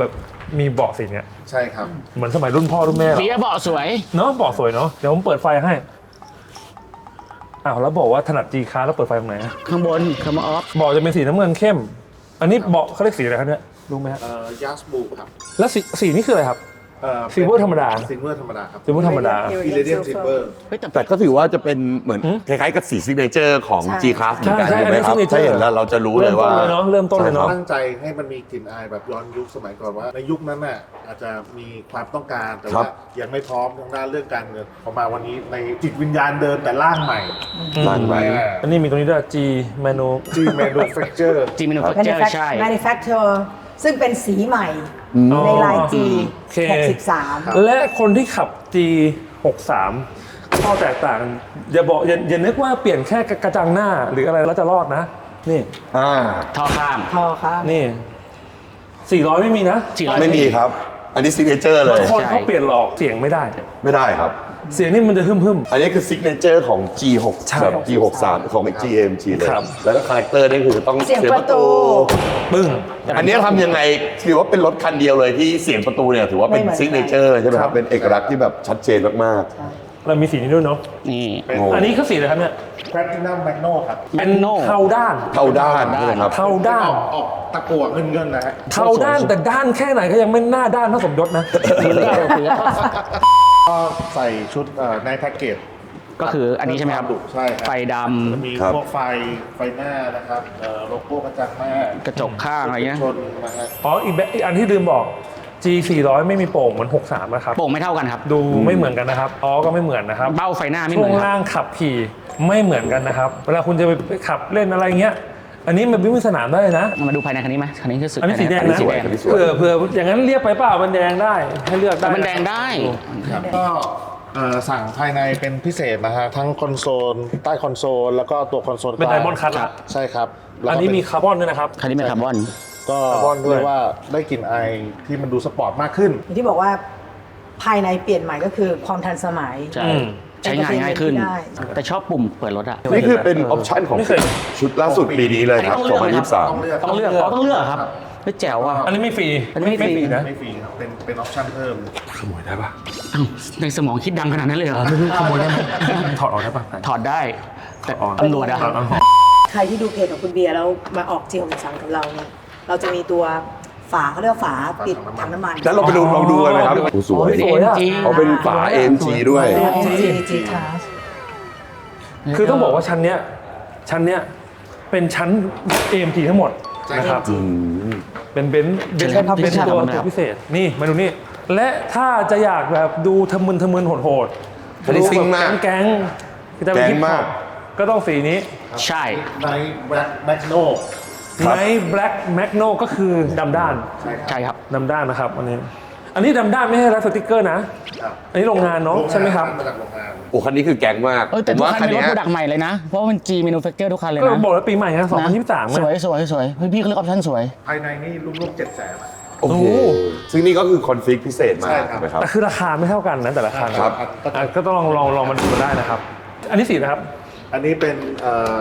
[SPEAKER 1] มีเบาะสีเนี้ย
[SPEAKER 4] ใช่ครับ
[SPEAKER 1] เหมือนสมัยรุ่นพ่อรุ่นแม่เหรอ
[SPEAKER 2] เบียร์เบาะสวย
[SPEAKER 1] เนาะเบาะสวยเนาะเดี๋ยวผมเปิดไฟให้อ้าวแล้วบอกว่าถนัด G Class แล้วเปิดไฟตรงไหนอะ
[SPEAKER 2] ข้างบนคำว่าออฟ
[SPEAKER 1] เบาะจะเป็นสีน้ำเงินเข้ม อันนี้เบาะเขาเรียกสีอะไรครับเนี่ยรู้ไหมฮะ
[SPEAKER 4] เอ่อ ยัสบูครับ
[SPEAKER 1] แล้วสีสีนี่คืออะไรครับ
[SPEAKER 4] เอ่อ
[SPEAKER 1] Silver ธรรมดา
[SPEAKER 4] ซิลเวอร์ธรรมดาครับ
[SPEAKER 1] สีม่วงธรรมดา
[SPEAKER 4] อิเลเดียมซิลเวอร์
[SPEAKER 2] เฮ้ยแต่
[SPEAKER 5] แต่ก็ถือว่าจะเป็นเหมือนคล้ายๆกับสีซิกเนเจอร์ของ
[SPEAKER 3] ใช่
[SPEAKER 5] G Class เหมือนกัน
[SPEAKER 1] ใช่
[SPEAKER 5] ใช่ไหมครับ
[SPEAKER 1] อันนี้ signature
[SPEAKER 5] ถ้าเห็นแล้วเราจะรู้เลยว่า
[SPEAKER 1] เริ่มต้นเลยเนาะเริ่มต้นเลยเนาะ
[SPEAKER 4] ตั้งใจให้มันมีกลิ่นอายแบบย้อนยุคสมัยก่อนว่า ในยุคนั้นน่ะอาจจะมีความต้องการแต่
[SPEAKER 5] ครั
[SPEAKER 4] ว่า
[SPEAKER 5] บ
[SPEAKER 4] ยังไม่พร้อมทางด้านเรื่องการเงินพอมาวันนี้ในจิตวิญญาณเดิมแต่ร่างใหม่
[SPEAKER 5] ร้านใหม่
[SPEAKER 1] อันนี้มีตรงนี้ด้วย G Manu
[SPEAKER 4] จีเมนูเฟคเจอร์
[SPEAKER 2] จีมิโนแฟคเจอร์
[SPEAKER 3] Manufact-
[SPEAKER 2] ใช่
[SPEAKER 3] manufacturer ซึ่งเป็นสีใหม่ในลาย G
[SPEAKER 1] โอเค
[SPEAKER 3] หกสิบสาม
[SPEAKER 1] และคนที่ขับ G หกสิบสามข้อแตกต่างอย่าบอกอย่าอย่านึกว่าเปลี่ยนแค่กระจังหน้าหรืออะไรแล้วจะรอดนะ นี่
[SPEAKER 5] อ่า
[SPEAKER 2] ท่อข้าง
[SPEAKER 3] พอครับ
[SPEAKER 1] นี่สี่ร้อยไม่มีนะ
[SPEAKER 2] สี่ร้อย
[SPEAKER 5] ไม่มีครับ อันนี้ซิกเนเจอร์เล
[SPEAKER 1] บาง
[SPEAKER 5] ย
[SPEAKER 1] คนเขาเปลี่ยนหลอกเสียงไม่ได้
[SPEAKER 5] ไม่ได้ครับ
[SPEAKER 1] เสียงนี่มันจะหึ่มหึ่ม
[SPEAKER 5] อันนี้คือซิกเนเจอร์ของ G หก
[SPEAKER 1] ใช่
[SPEAKER 5] แบบ G หกสิบสามของ จี เอ็ม จี เลย
[SPEAKER 1] ครับ
[SPEAKER 5] แล้วก็คาแรคเตอร์นี่คือต้อง
[SPEAKER 3] เสียงประตู
[SPEAKER 1] ๆปึ้ง
[SPEAKER 5] อันนี้ทำยังไงถือว่าเป็นรถคันเดียวเลยที่เสียงประตูเนี่ยถือว่าเป็น
[SPEAKER 3] ไม่เหมือน
[SPEAKER 5] ซิกเนเจอร์ใช่ไหมค
[SPEAKER 1] ครั
[SPEAKER 5] รับ บ เป็นเอกลักษณ์ที่แบบชัดเจนมาก
[SPEAKER 1] เรามีสีนี้ด้วยเนาะ
[SPEAKER 2] นี่
[SPEAKER 4] เป็น
[SPEAKER 5] โอ้
[SPEAKER 1] อันนี้คือสีอะไรครับเนี่ย
[SPEAKER 4] แพลตินัมแมกโนครับ
[SPEAKER 1] เป็น
[SPEAKER 2] Magno
[SPEAKER 1] เทาด้าน
[SPEAKER 5] ๆ เท่าด้านใช่ไหมครับ
[SPEAKER 1] เทาด้าน
[SPEAKER 4] ออกออกตะกั่วเงินเงินๆนะฮะ
[SPEAKER 1] เทาด้านแต่ด้านแค่ไหนก็ยังไม่หน้าด้านเท่าสมยศนะ
[SPEAKER 4] ก็ใส่ชุดเอ่อในแพ็กเกจ
[SPEAKER 2] ก็คืออันนี้ใช่ไหมครับ
[SPEAKER 4] ใช่ครับ
[SPEAKER 2] ไฟด
[SPEAKER 4] จะมี
[SPEAKER 5] ครับ
[SPEAKER 4] พวกไฟไฟหน้านะครับเอ่อโลโก้กระจังหน้าก
[SPEAKER 2] ระจกข้างอะไรเงี้ย
[SPEAKER 4] ชนนะฮะ
[SPEAKER 1] อ๋ออีกแบบอีกอันที่ลืมบอก G สี่ร้อยไม่มีโป่งเหมือนหกสิบสามนะครับ
[SPEAKER 2] ำโป่งไม่เท่ากันครับ
[SPEAKER 1] ดูไม่เหมือนกันนะครับอ๋อก็ไม่เหมือนนะครับ
[SPEAKER 2] เบ้าไฟหน้าไม่เห
[SPEAKER 1] ช่
[SPEAKER 2] มื
[SPEAKER 1] ว
[SPEAKER 2] อง นครับ
[SPEAKER 1] ล่างขับขี่ไม่เหมือนกันนะครับ เวลาคุณจะไปขับเล่นอะไรเงี้ย อันนี้มันวิ่งสนามได้นะ
[SPEAKER 2] มาดูภายในคันนี้ไหมคันนี้คือสุด
[SPEAKER 1] อันนี้สีแดง
[SPEAKER 2] อันนี้
[SPEAKER 1] นะ
[SPEAKER 2] สีแดง
[SPEAKER 5] อันนี้สวย
[SPEAKER 1] เผื่อเผื่ออย่างนั้นเรียกไปเปล่ามันแดงได้ให้เลือกได้
[SPEAKER 2] มันแดงได้
[SPEAKER 4] ครับก็เอ่อสั่งภายในเป็นพิเศษนะฮะทั้งคอนโซลใต้คอนโซลแล้วก็ตัวคอนโซล
[SPEAKER 1] เป็นไดมอนด์คัทละ
[SPEAKER 4] ใช่ครับแล้วก็
[SPEAKER 1] อันนี้มี
[SPEAKER 4] เป็
[SPEAKER 1] คาร์บอนด้วยนะครับ
[SPEAKER 2] คันนี้เป็นคาร์บอน
[SPEAKER 4] ก็
[SPEAKER 1] คาร์บอนด้วย
[SPEAKER 4] เรียกว่าได้กลิ่นไอที่มันดูสปอร์ตมากขึ้น
[SPEAKER 3] อย่างที่บอกว่าภายในเปลี่ยนใหม่ก็คือความทันสมัย
[SPEAKER 2] ใช่
[SPEAKER 1] อืม
[SPEAKER 2] ใช้งานง่ายขึ้น
[SPEAKER 3] ได้
[SPEAKER 2] แต่ชอบปุ่มเปิดรถอะ
[SPEAKER 5] นี่คือเป็นออปชั่นของ
[SPEAKER 1] ไม่เคย
[SPEAKER 5] ชุดล่าสุดปีนี้เลยครับ
[SPEAKER 2] อันนี้ต้องเลือก
[SPEAKER 5] สองพันยี่สิบสาม
[SPEAKER 4] ต้องเลือก
[SPEAKER 2] ต้องเลือกอ๋อต้องเลือกครับเฮ้ยแจ๋วอ่ะ
[SPEAKER 1] อันนี้ไม่ฟรี
[SPEAKER 2] อันนี้ไม่ฟรี
[SPEAKER 1] นะ
[SPEAKER 4] ไม่ฟรีครับเป็นเป็นออปชั่นเพิ่ม
[SPEAKER 1] ขโมยได้ปะ
[SPEAKER 2] อ้าวในสมองคิดดังขนาดนั้นเลยเหรอ
[SPEAKER 1] ขโมยได้ไหมถอดออกได้ปะ
[SPEAKER 2] ถอดได้แต่ตำรวจอะ
[SPEAKER 1] ถอดออก
[SPEAKER 3] ใครที่ดูเพจของคุณเบียร์แล้วมาออกเจียวของสังกับเราเนี่ยเราจะมีตัวฝาเขาเรียกว่าฝาปิดถังน้ำมัน
[SPEAKER 5] แล้วเราไปดูลองดูกันไหมครับโอ้สวย
[SPEAKER 1] สวยอะ
[SPEAKER 5] เขาเป็นฝา เอ็ม จี ด้วย
[SPEAKER 3] เอ็มจี G Class
[SPEAKER 1] คือต้องบอกว่าชั้นเนี้ยชั้นเนี้ยเป็นชั้น เอ็ม จี ทั้งหมดนะครับ
[SPEAKER 5] อืม
[SPEAKER 1] เป็นเบนซ์เบนซ์
[SPEAKER 2] ใช่ครับ
[SPEAKER 1] เป็น
[SPEAKER 2] ใช่ครับ
[SPEAKER 1] ตัว
[SPEAKER 2] ใช่ครับ
[SPEAKER 1] ตัวพิเศษนี่มาดูนี่ และถ้าจะอยากแบบดูทะมึนทะมึนโหดโหด
[SPEAKER 5] อันนี้ซิ่งมาก
[SPEAKER 1] แก๊งๆจะเป็น
[SPEAKER 5] แก๊ง
[SPEAKER 1] ฮิปฮ
[SPEAKER 5] มา
[SPEAKER 1] อก ปก็ต้องสีนี้
[SPEAKER 2] ใช่
[SPEAKER 4] ในแบล็กแมกโน
[SPEAKER 5] ครับ
[SPEAKER 1] ไนท์แบล็กแมกโนก็คือดำด้าน
[SPEAKER 2] ใช่ครับ
[SPEAKER 1] ดำด้านนะครับอันนี้ อันนี้ดำด้านไม่ใช่รับสติกเกอร์นะ
[SPEAKER 4] ครับ
[SPEAKER 1] อันนี้โรงงานเนาะใช่ไหมครับ
[SPEAKER 4] มาจากโรงงาน
[SPEAKER 5] โอ้คันนี้คือแก๊งมาก
[SPEAKER 2] เออแต่
[SPEAKER 5] ผม
[SPEAKER 2] ทุก
[SPEAKER 5] ว่า
[SPEAKER 2] คั
[SPEAKER 5] คั
[SPEAKER 2] น
[SPEAKER 5] น
[SPEAKER 2] เป็นร
[SPEAKER 5] เนี้
[SPEAKER 2] ถ
[SPEAKER 5] ย
[SPEAKER 2] โปรดักต์ใหม่เลยนะ เพราะว่ามัน G manufacture ทุกคันเลย
[SPEAKER 1] ก็
[SPEAKER 2] นะ
[SPEAKER 1] บอกแล้วปีใหม่นะสองพันยี่สิบสาม
[SPEAKER 2] สวยสวยสวยเฮ้ยพี่เขาเลือกออปชั่นสวย
[SPEAKER 4] ภายในนี่ลูกๆเจ็ดแสน
[SPEAKER 5] โอ้โหซึ่งนี่ก็คือคอนฟิกพิเศษมาก
[SPEAKER 4] ใช่ครับ
[SPEAKER 5] ใช่ไหมครับ
[SPEAKER 1] แต่คือราคาไม่เท่ากันนะแต่ละคัน
[SPEAKER 5] ครับ
[SPEAKER 1] อ่ะก็ต้องลองลองลองมาดูกันได้นะครับ อันนี้สีนะครับ
[SPEAKER 4] อันนี้เป็นเอ่อ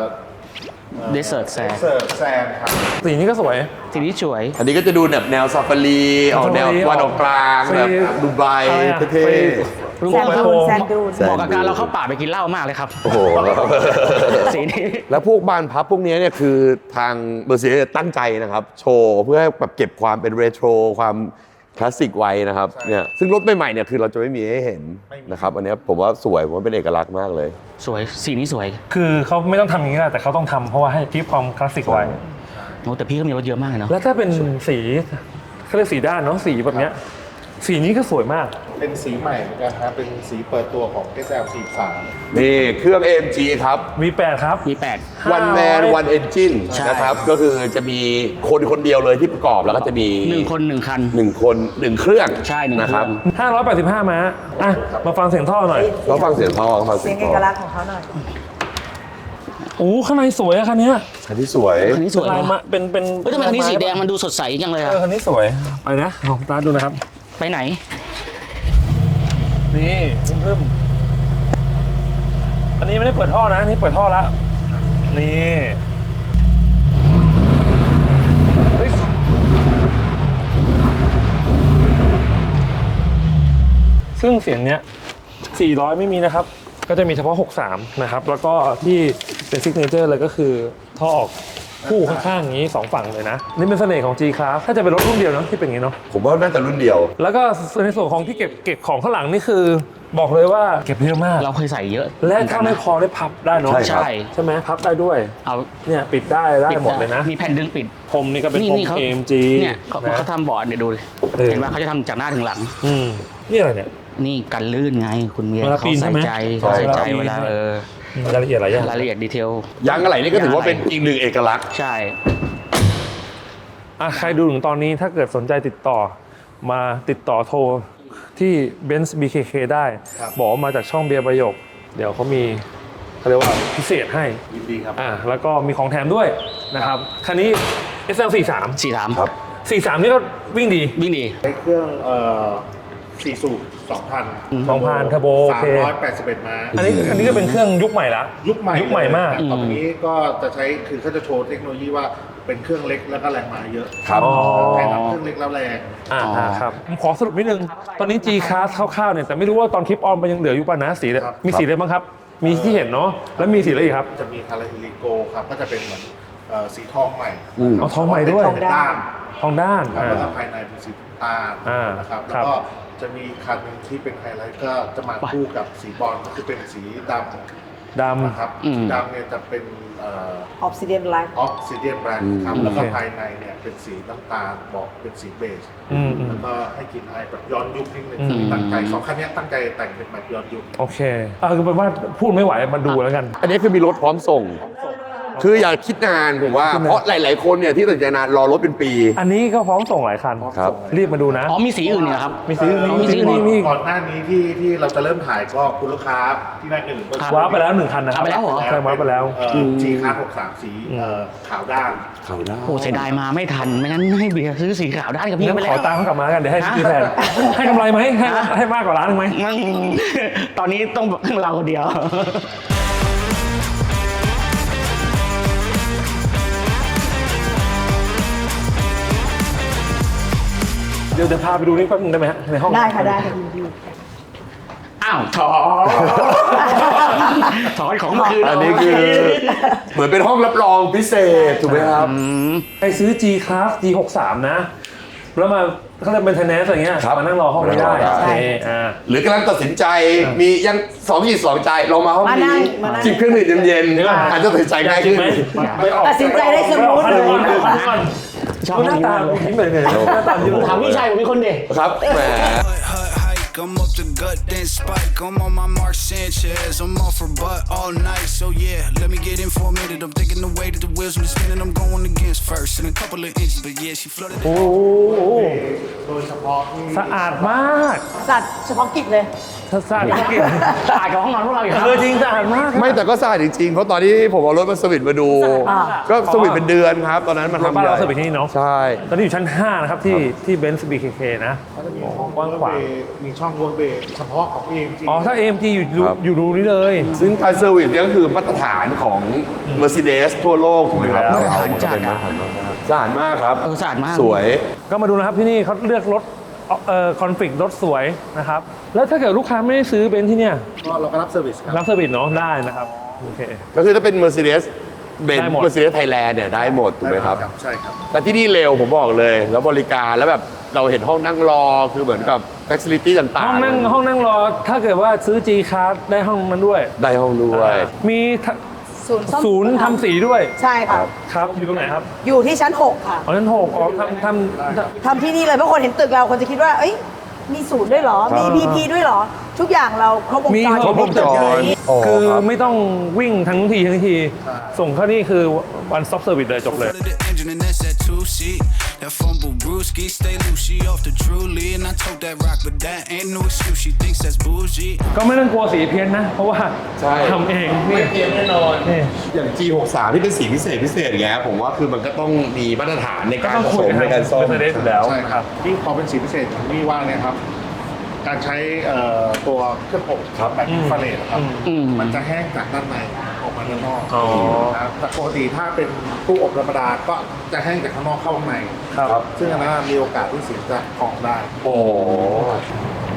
[SPEAKER 2] Desert Sand
[SPEAKER 4] เสิร์ฟแซนครับ
[SPEAKER 1] สีนี้ก็สวย
[SPEAKER 2] ทีนี้สวย
[SPEAKER 5] อันนี้ก็จะดูแบบแนวซาฟารีออกแนว
[SPEAKER 1] ซาฟารี
[SPEAKER 5] ตะวันออกกลาง
[SPEAKER 1] ฟรี
[SPEAKER 5] แบบดูไบ
[SPEAKER 1] อะไรอะ
[SPEAKER 5] เท่
[SPEAKER 1] ฟรี
[SPEAKER 2] ลุง
[SPEAKER 3] แซน
[SPEAKER 2] บอก
[SPEAKER 3] ดูนแซนดูน
[SPEAKER 5] แซน
[SPEAKER 2] เหมาะกับการเราเข้าป่าไปกินเหล้ามากเลยครับ
[SPEAKER 5] ๆโอ้โห
[SPEAKER 2] สีนี้
[SPEAKER 5] แล้วพวกบานพับพวกนี้เนี่ยคือทางเบอร์เซียตั้งใจนะครับ โชว์เพื่อให้แบบเก็บความเป็นเรโทรความคลาสสิกไว้นะครับเนี่ยซึ่งรถใหม่ๆเนี่ยคือเราจะไม่มีให้เห็นนะครับอันเนี้ยผมว่าสวยผมว่าเป็นเอกลักษณ์มากเลย
[SPEAKER 2] สวยสีนี้สวย
[SPEAKER 1] คือเขาไม่ต้องทำอย่างนี้นะแต่เขาต้องทำเพราะว่าให้คีปความคลาสสิกไว้
[SPEAKER 2] โอ้แต่พี่ก็มีรถเยอะมากเลยเนาะ
[SPEAKER 1] แล้วถ้าเป็นสีเขาเรียกสีด้านเนาะสีแบบเนี้ยสีนี้ก็สวยมาก
[SPEAKER 4] เป็นสีใหม่เหมือนกันครับเป็นสีเปิดตัวของ เอส แอล สี่สิบสาม
[SPEAKER 5] นี่เครื่อง เอ็ม จี ครับ
[SPEAKER 1] วี แปด ครับ
[SPEAKER 2] มีแปด
[SPEAKER 5] one man one engine
[SPEAKER 2] ใช่
[SPEAKER 5] นะครับ ก็คือจะมีคนคนเดียวเลยที่ประกอบแล้วก็จะมี
[SPEAKER 2] หนึ่งคนหนึ่งคัน
[SPEAKER 5] หนึ่งคนหนึ่งเครื่อง
[SPEAKER 2] ใช่หนึ่ง
[SPEAKER 5] นะ
[SPEAKER 2] เค
[SPEAKER 5] ค
[SPEAKER 2] รื่
[SPEAKER 5] รั
[SPEAKER 2] อบ ง
[SPEAKER 1] ห้าร้อยแปดสิบห้าม้าอ่ะมาฟังเสียงท่อหน่อย
[SPEAKER 5] เราฟังเสียงท่อฟัง
[SPEAKER 3] เสี
[SPEAKER 5] เสี
[SPEAKER 3] ย
[SPEAKER 5] ย
[SPEAKER 3] ง
[SPEAKER 5] ง
[SPEAKER 3] เอ
[SPEAKER 5] ท่อก
[SPEAKER 3] ลักษณ์ของเขาหน่อย
[SPEAKER 1] โอ้ข้างในสวยอะคันเนี้ย
[SPEAKER 5] คันที่สวย
[SPEAKER 2] คันนี้สวย
[SPEAKER 1] ลาย
[SPEAKER 2] นะ
[SPEAKER 1] มาเป็นเป็น
[SPEAKER 2] เฮ้ยทำไมคันนี้สีแดงมันดูสดใสจังเลย
[SPEAKER 1] เอ
[SPEAKER 2] อะ
[SPEAKER 1] อคันนี้สวยไปนะลองตาร์ทดูนะครับ
[SPEAKER 2] ไปไหน
[SPEAKER 1] นี่เพิ่มอันนี้ไม่ได้เปิดท่อนะอันนี่เปิดท่อแล้วนี่เฮ้ยซึ่งเสียงเนี้ยสี่ร้อยไม่มีนะครับก็จะมีเฉพาะหกสิบสามนะครับแล้วก็ที่เป็นซิกเนเจอร์เลยก็คือท่อออกคู่ข้างๆอย่างนี้สองฝั่งเลยนะนี่เป็นเสน่ห์ของ G-Class ถ้าจะเป็นรถรุ่นเดียวเนาะที่เป็นอย่างนี้เนาะ
[SPEAKER 5] ผมว่าน่าจะรุ่นเดียว
[SPEAKER 1] แล้วก็ในส่วนของที่เก็บเก็บของข้างหลังนี่คือบอกเลยว่าเก็บเยอะมาก
[SPEAKER 2] เราเคยใส่เยอะ
[SPEAKER 1] และถ้าไม่พอได้พับได้เนาะ
[SPEAKER 5] ใช่
[SPEAKER 2] ใช่
[SPEAKER 1] ใช่ไหมพับได้ด้วย
[SPEAKER 2] เอา
[SPEAKER 1] เนี่ยปิดได้ได้หมดเลยนะ
[SPEAKER 2] มีแผ่นดึงปิด
[SPEAKER 1] พรมนี่ก็เป็น
[SPEAKER 2] นี่
[SPEAKER 1] พรม
[SPEAKER 2] นี่เขา
[SPEAKER 1] เอ็ม จี
[SPEAKER 2] เนี่ยเขา
[SPEAKER 1] นะ
[SPEAKER 2] เขาทำบอร์ดเนี่ยดูดิ
[SPEAKER 1] เออ
[SPEAKER 2] เห็นว่าเขาจะทำจากหน้าถึงหลัง
[SPEAKER 1] อืมนี่อะไรเนี่ย
[SPEAKER 2] นี่กันลื่นไงคุณเมีย
[SPEAKER 1] เวลา
[SPEAKER 2] เขา
[SPEAKER 1] ปีนใช่
[SPEAKER 2] ใส่
[SPEAKER 1] ไหม
[SPEAKER 2] ใจ
[SPEAKER 5] ใช่
[SPEAKER 2] เขาใส่ใจ
[SPEAKER 1] เว
[SPEAKER 2] เว
[SPEAKER 1] ลา
[SPEAKER 2] ลา
[SPEAKER 1] ปีน
[SPEAKER 2] เออ
[SPEAKER 1] มีรายละเอียดหลายอย่าง
[SPEAKER 2] รายละเอียดดีเทล
[SPEAKER 5] ยางอะไรนี่ก็ถือว่าเป็นอีกหนึ่งเอกลักษณ์
[SPEAKER 2] ใช่
[SPEAKER 1] อ่ะใครดูถึงตอนนี้ถ้าเกิดสนใจติดต่อมาติดต่อโทรที่ Benz บี เค เค ได้ บอกว่ามาจากช่องเบียร์ประโยค เดี๋ยวเขามีเขาเรียกว่าพิเศษให้
[SPEAKER 4] ยินดีครับ
[SPEAKER 1] อ่าแล้วก็มีของแถมด้วยนะครับคันนี้ เอส แอล สี่สิบสาม
[SPEAKER 2] สี่สาม
[SPEAKER 5] ครับ
[SPEAKER 1] สี่สิบสามนี่ก็วิ่งดี
[SPEAKER 2] วิ่งดี
[SPEAKER 4] ใช้เครื่องเอ่อสี่สูบสองพัน
[SPEAKER 1] สองพันเทอร์โบโอ
[SPEAKER 4] สาม
[SPEAKER 1] เค
[SPEAKER 4] ร้อยแปดสิบเอ็ดม้า
[SPEAKER 1] อันนี้อันนี้ก็เป็นเครื่องยุคใหม่ละ
[SPEAKER 4] ยุคใหม่
[SPEAKER 1] ยุคใหม่มาก
[SPEAKER 4] เลยต่อไปนี้ก็จะใช้คือเขาจะโชว์เทคโนโลยีว่าเป็นเครื่องเล็กแล้วก็แรงม้าเยอะ
[SPEAKER 5] ครับ
[SPEAKER 1] อ๋อ
[SPEAKER 4] แข่งกับเครื่องเล็กแล้วแรง
[SPEAKER 1] อ่า
[SPEAKER 2] อ๋ออ่
[SPEAKER 1] าครับผมขอสรุปนิดนึง ตอนนี้ G-Class คร่าวๆเนี่ยแต่ไม่รู้ว่าตอนคลิปออนมันยังเหลืออยู่ป่ะนะสีเนี่ยมีสีอะไรบ้างครับ มีที่เห็นเนาะแล้วมีสีอะไรอีกครับ
[SPEAKER 4] จะมีคาราฮิลิโกครับก็จะเป็นเหมือนเอ่อสีทองใหม่
[SPEAKER 5] อืม
[SPEAKER 1] เอาทองใหม่ด้วย
[SPEAKER 4] เป็นด้าน
[SPEAKER 1] ทองด้าน
[SPEAKER 4] ครับ
[SPEAKER 1] อ่า
[SPEAKER 4] แล้วก็ภายในเป็นสีน้ำตาล
[SPEAKER 1] อ่า
[SPEAKER 4] นะครับ
[SPEAKER 1] ครั
[SPEAKER 4] แล้ว
[SPEAKER 1] บ
[SPEAKER 4] ก็จะมีคันหนึงที่เป็นไฮไลท์ก็จะมาคู่กับสีบอลก็คือเป็นสีดำ
[SPEAKER 1] ด
[SPEAKER 4] นะครับ
[SPEAKER 2] อืม
[SPEAKER 4] สีดำเนี่ยจะเป็นเอ
[SPEAKER 3] ออฟซิเดียนไลท์
[SPEAKER 4] ออกซิเดียนแบรน
[SPEAKER 5] อื
[SPEAKER 4] ด์
[SPEAKER 5] ม
[SPEAKER 4] ครับแล้วก็
[SPEAKER 1] โอเค
[SPEAKER 4] ภายในเนี่ยเป็นสีน้ำตาลบอกเป็นสีเบจ
[SPEAKER 1] ำอืมอืม
[SPEAKER 4] แล้วก็ให้กลิ่นอายแบบย้อนยุคนิดนึง
[SPEAKER 1] อืม
[SPEAKER 4] ตั้งใจสองคันเนี้ยตั้งใจแต่งเป็นแบบย้อนยุค
[SPEAKER 1] โอเคอ่าคือแปลว่าพูดไม่ไหวมาดูแล้วกัน
[SPEAKER 5] อันนี้คือมีรถพร้อมส่ง คืออย่าคิดนานผมว่า เพราะหลาย ๆ คนเนี่ยที่ตัดสินใจนานรอรถเป็นปี
[SPEAKER 1] อันนี้ก็พร้อมส่งหลายคัน
[SPEAKER 5] ครับ
[SPEAKER 1] รีบมาดูนะ
[SPEAKER 2] อ๋อมีสีอื่นเนี่ยครับ
[SPEAKER 1] มีสีอื่น
[SPEAKER 2] อ๋อ
[SPEAKER 1] มี
[SPEAKER 2] มีสี
[SPEAKER 1] สี
[SPEAKER 2] อื่น
[SPEAKER 1] มีมี
[SPEAKER 4] ก่อนหน้านี้ที่ที่เราจะเริ่มถ่ายก็คุณลูกค้าที่นั่นหนึ่ง
[SPEAKER 2] ครับ
[SPEAKER 1] ว้าร์ปไปแล้วหนึ่งคันนะครับ
[SPEAKER 2] ว้าร์ปไปแล้วเหรอ
[SPEAKER 1] ใช่ว้าร์ปไปแล้ว
[SPEAKER 4] จีคาร์หกสามสีเอ่อขาวด้าน
[SPEAKER 5] เขาได้
[SPEAKER 2] โอ้เสียดายมาไม่ทันไม่งั้นให้เบียร์ซื้อสีขาวได้กับพี่
[SPEAKER 1] งั้น
[SPEAKER 2] ไป
[SPEAKER 1] ข
[SPEAKER 2] แล้
[SPEAKER 1] อ
[SPEAKER 2] ว
[SPEAKER 1] ตามเขากลับมากันเดี๋ยวให้
[SPEAKER 2] ฮะ
[SPEAKER 1] พี่แทนให้กำไรไหมให้ให้มากกว่าร้านหนึงไหม
[SPEAKER 2] งั้นตอนนี้ต้องเราคนเดียว
[SPEAKER 1] เดี๋ยวจะพาไปดูนี่แป๊บนึงได้ไหมฮะในห้อง
[SPEAKER 3] ได้ค่ะได้ค่ะยินดี
[SPEAKER 2] อ้าวถอถอนของมาคืน
[SPEAKER 5] อันนี้คือ เหมือนเป็นห้องรับรองพิเศษถูกไหมครับ
[SPEAKER 1] ใครซื้อ G-Class จี หกสิบสาม นะ แล้วมาเขาเรียกเป็นไทนแนสอะไรเงี้ย
[SPEAKER 5] ครับ
[SPEAKER 1] มานั่งรอห้องนี้ได้
[SPEAKER 5] มานั่งรอได้
[SPEAKER 1] โอเคอ่า
[SPEAKER 5] หรือกำลังตัดสินใจมียังสองจิตสองใจลองมาห้อง
[SPEAKER 3] มานั่
[SPEAKER 5] นี้
[SPEAKER 3] งมานั่ง
[SPEAKER 5] จิบเครื่องดื่มเย็นๆอาจจะตัดสินใจง่าย
[SPEAKER 1] จริง
[SPEAKER 5] ขึ้น
[SPEAKER 1] ไหมไปออก
[SPEAKER 3] ตัดสินใจได้สมูท
[SPEAKER 1] ไป
[SPEAKER 3] เล
[SPEAKER 1] ออก
[SPEAKER 3] ย
[SPEAKER 1] ไปออกไปออก
[SPEAKER 2] ชอบ
[SPEAKER 1] หน้าตายิ้มเลยเนี่ยหน้าตายิ้ม
[SPEAKER 2] ถามพี่ชายผมเป็นคนเด็ก
[SPEAKER 5] ครับแหม
[SPEAKER 6] Hut hike, I'm up the gut, then spike. I'm on my Mark Sanchez. I'm off her butt all night. So yeah, let me get in for a minute. I'm thinking the way that the wheels are spinning. I'm going against first in a couple of inches, but yeah, she flooded.
[SPEAKER 1] โอ้โห
[SPEAKER 4] โดยเฉพาะที่
[SPEAKER 1] สะอาดมาก
[SPEAKER 3] สัตว์เฉพาะกิจเลย
[SPEAKER 1] สะอาดมาก
[SPEAKER 2] สะอาดกับห้องนอนพวกเราอีกครับ
[SPEAKER 1] เออจริงสะอาดมาก
[SPEAKER 5] ไม่แต่ก็สะอาดจริงๆ เพราะตอนที่ผมเอารถมาสวิตมาดู
[SPEAKER 3] อ่า
[SPEAKER 5] ก็สวิตเป็นเดือนครับ ตอนนั้นมัน
[SPEAKER 1] รถ
[SPEAKER 5] ทำ
[SPEAKER 1] บ้าน
[SPEAKER 5] ใหญ่
[SPEAKER 1] เราเสิร์ฟไปที่นี่เนาะ
[SPEAKER 5] ใช่
[SPEAKER 1] ตอนนี้อยู่ชั้นห้านะครับที่ที่ Benz บี เค เค นะ กว้างขวาง
[SPEAKER 4] มีช่องเวิร์กเบย์เฉพาะของเองจริง
[SPEAKER 1] อ๋อถ้า เอ เอ็ม จี อยู่ดู
[SPEAKER 5] ครับ
[SPEAKER 1] อยู่รูนี้เลย
[SPEAKER 5] ซึ่งการเซอร์วิสเนี่ยก็คือมาตรฐานของ Mercedes ทั่วโลกถูกไหมครับ
[SPEAKER 1] อยู่แล้ว
[SPEAKER 5] เอามาเป็นมาตรฐานสะอาดมากครับ
[SPEAKER 2] เออสะอาดมาก
[SPEAKER 5] สวย
[SPEAKER 1] ก็มาดูนะครับที่นี่เขาเลือกรถเอ่อคอนฟ lict รถสวยนะครับ แล้วถ้าเกิดลูกค้าไม่ได้ซื้อเบนซ์ที่เนี่ย
[SPEAKER 4] ก็เราก็รับเซอร์วิสครับ
[SPEAKER 1] รับเซอร์วิสเนาะได้นะครับโอเค
[SPEAKER 5] ก็คือถ้าเป็น Mercedes เบน
[SPEAKER 1] ได้หมด
[SPEAKER 5] Mercedes Thailand เนี่ยได้หมดถูกไหมครับ
[SPEAKER 4] ใช่ครับ
[SPEAKER 5] แต่ที่นี่เร็วผมบอกเลย แล้วบริการแล้วแบบเราเห็นห้องนั่งรอคือเหมือนกับ facility ต่างๆ
[SPEAKER 1] ห้องนั่งห้องนั่งรอถ้าเกิดว่าซื้อ G-Class ได้ห้องนั้นด้วย
[SPEAKER 5] ได้ห้องด้วย
[SPEAKER 1] มีทะ
[SPEAKER 3] ศูนย์ซ่อม
[SPEAKER 1] ศูนย์ทำสีด้วย
[SPEAKER 3] ใช่ค่ะ
[SPEAKER 1] ครับอยู่ตรงไหนครับ
[SPEAKER 3] อยู่ที่ชั้นหกค่ะ
[SPEAKER 1] อ๋อชั้นหกอ๋อทำทำ
[SPEAKER 3] ทำที่นี่เลยเพราะคนเห็นตึกเราคนจะคิดว่า เอ้ย มีศูนย์ด้วยเหรอ มี
[SPEAKER 1] ครับ
[SPEAKER 3] พีพีด้วยเหรอ ทุกอย่างเราครบวง
[SPEAKER 1] มี
[SPEAKER 3] จร
[SPEAKER 1] ครบวงจร
[SPEAKER 5] โอ้
[SPEAKER 1] คือ
[SPEAKER 5] ครับ
[SPEAKER 1] ไม่ต้องวิ่งทั้งทีทั้งที ส่งเข้านี่คือ one stop service เลยจบเลย
[SPEAKER 6] Flooded the engine and that's that two seat. That fumble brewski, stay loose, she off the truly. And I told that rock, but that ain't no excuse. She thinks that's bougie.
[SPEAKER 1] ก็ไม่ต้องกลัวสีเพี้ยนนะ เพราะว่า
[SPEAKER 5] ใช่
[SPEAKER 1] ทำเองนี่
[SPEAKER 5] เตรียมแน่นอน
[SPEAKER 1] นี่
[SPEAKER 5] อย่าง จี หกสิบสาม ที่เป็นสีพิเศษพิเศษอย่างเงี้ยผมว่าคือมันก็ต้องมีมาตรฐานใน
[SPEAKER 1] ก็
[SPEAKER 5] การ
[SPEAKER 1] ต้อง
[SPEAKER 5] ผ
[SPEAKER 1] คุ
[SPEAKER 5] ส
[SPEAKER 1] ย
[SPEAKER 5] ม
[SPEAKER 1] กับ
[SPEAKER 5] ในการซ่อม
[SPEAKER 1] เมอร์เซเดสอยู่แล้ว
[SPEAKER 4] ใช่
[SPEAKER 1] นะ
[SPEAKER 4] ค
[SPEAKER 1] ค
[SPEAKER 4] รั
[SPEAKER 1] รั
[SPEAKER 4] บบ ยิ่งพอเป็นสีพิเศษอย่างที่ว่าเนี่ยครับ การใช้เอ่อตัวเครื่องอบครับแบบอินฟราเรดครับ
[SPEAKER 2] อืม
[SPEAKER 4] มันจะแห้งจากด้านในออกมาด้านนอก
[SPEAKER 1] อ๋อ
[SPEAKER 4] นะครับแต่ปกติถ้าเป็นตู้อบธรรมดาก็จะแห้งจากข้างนอกเข้าข้างใน
[SPEAKER 1] ครับ
[SPEAKER 4] ซึ่งอันนั้นมีโอกาสที่สีจะพองได้
[SPEAKER 5] โอ้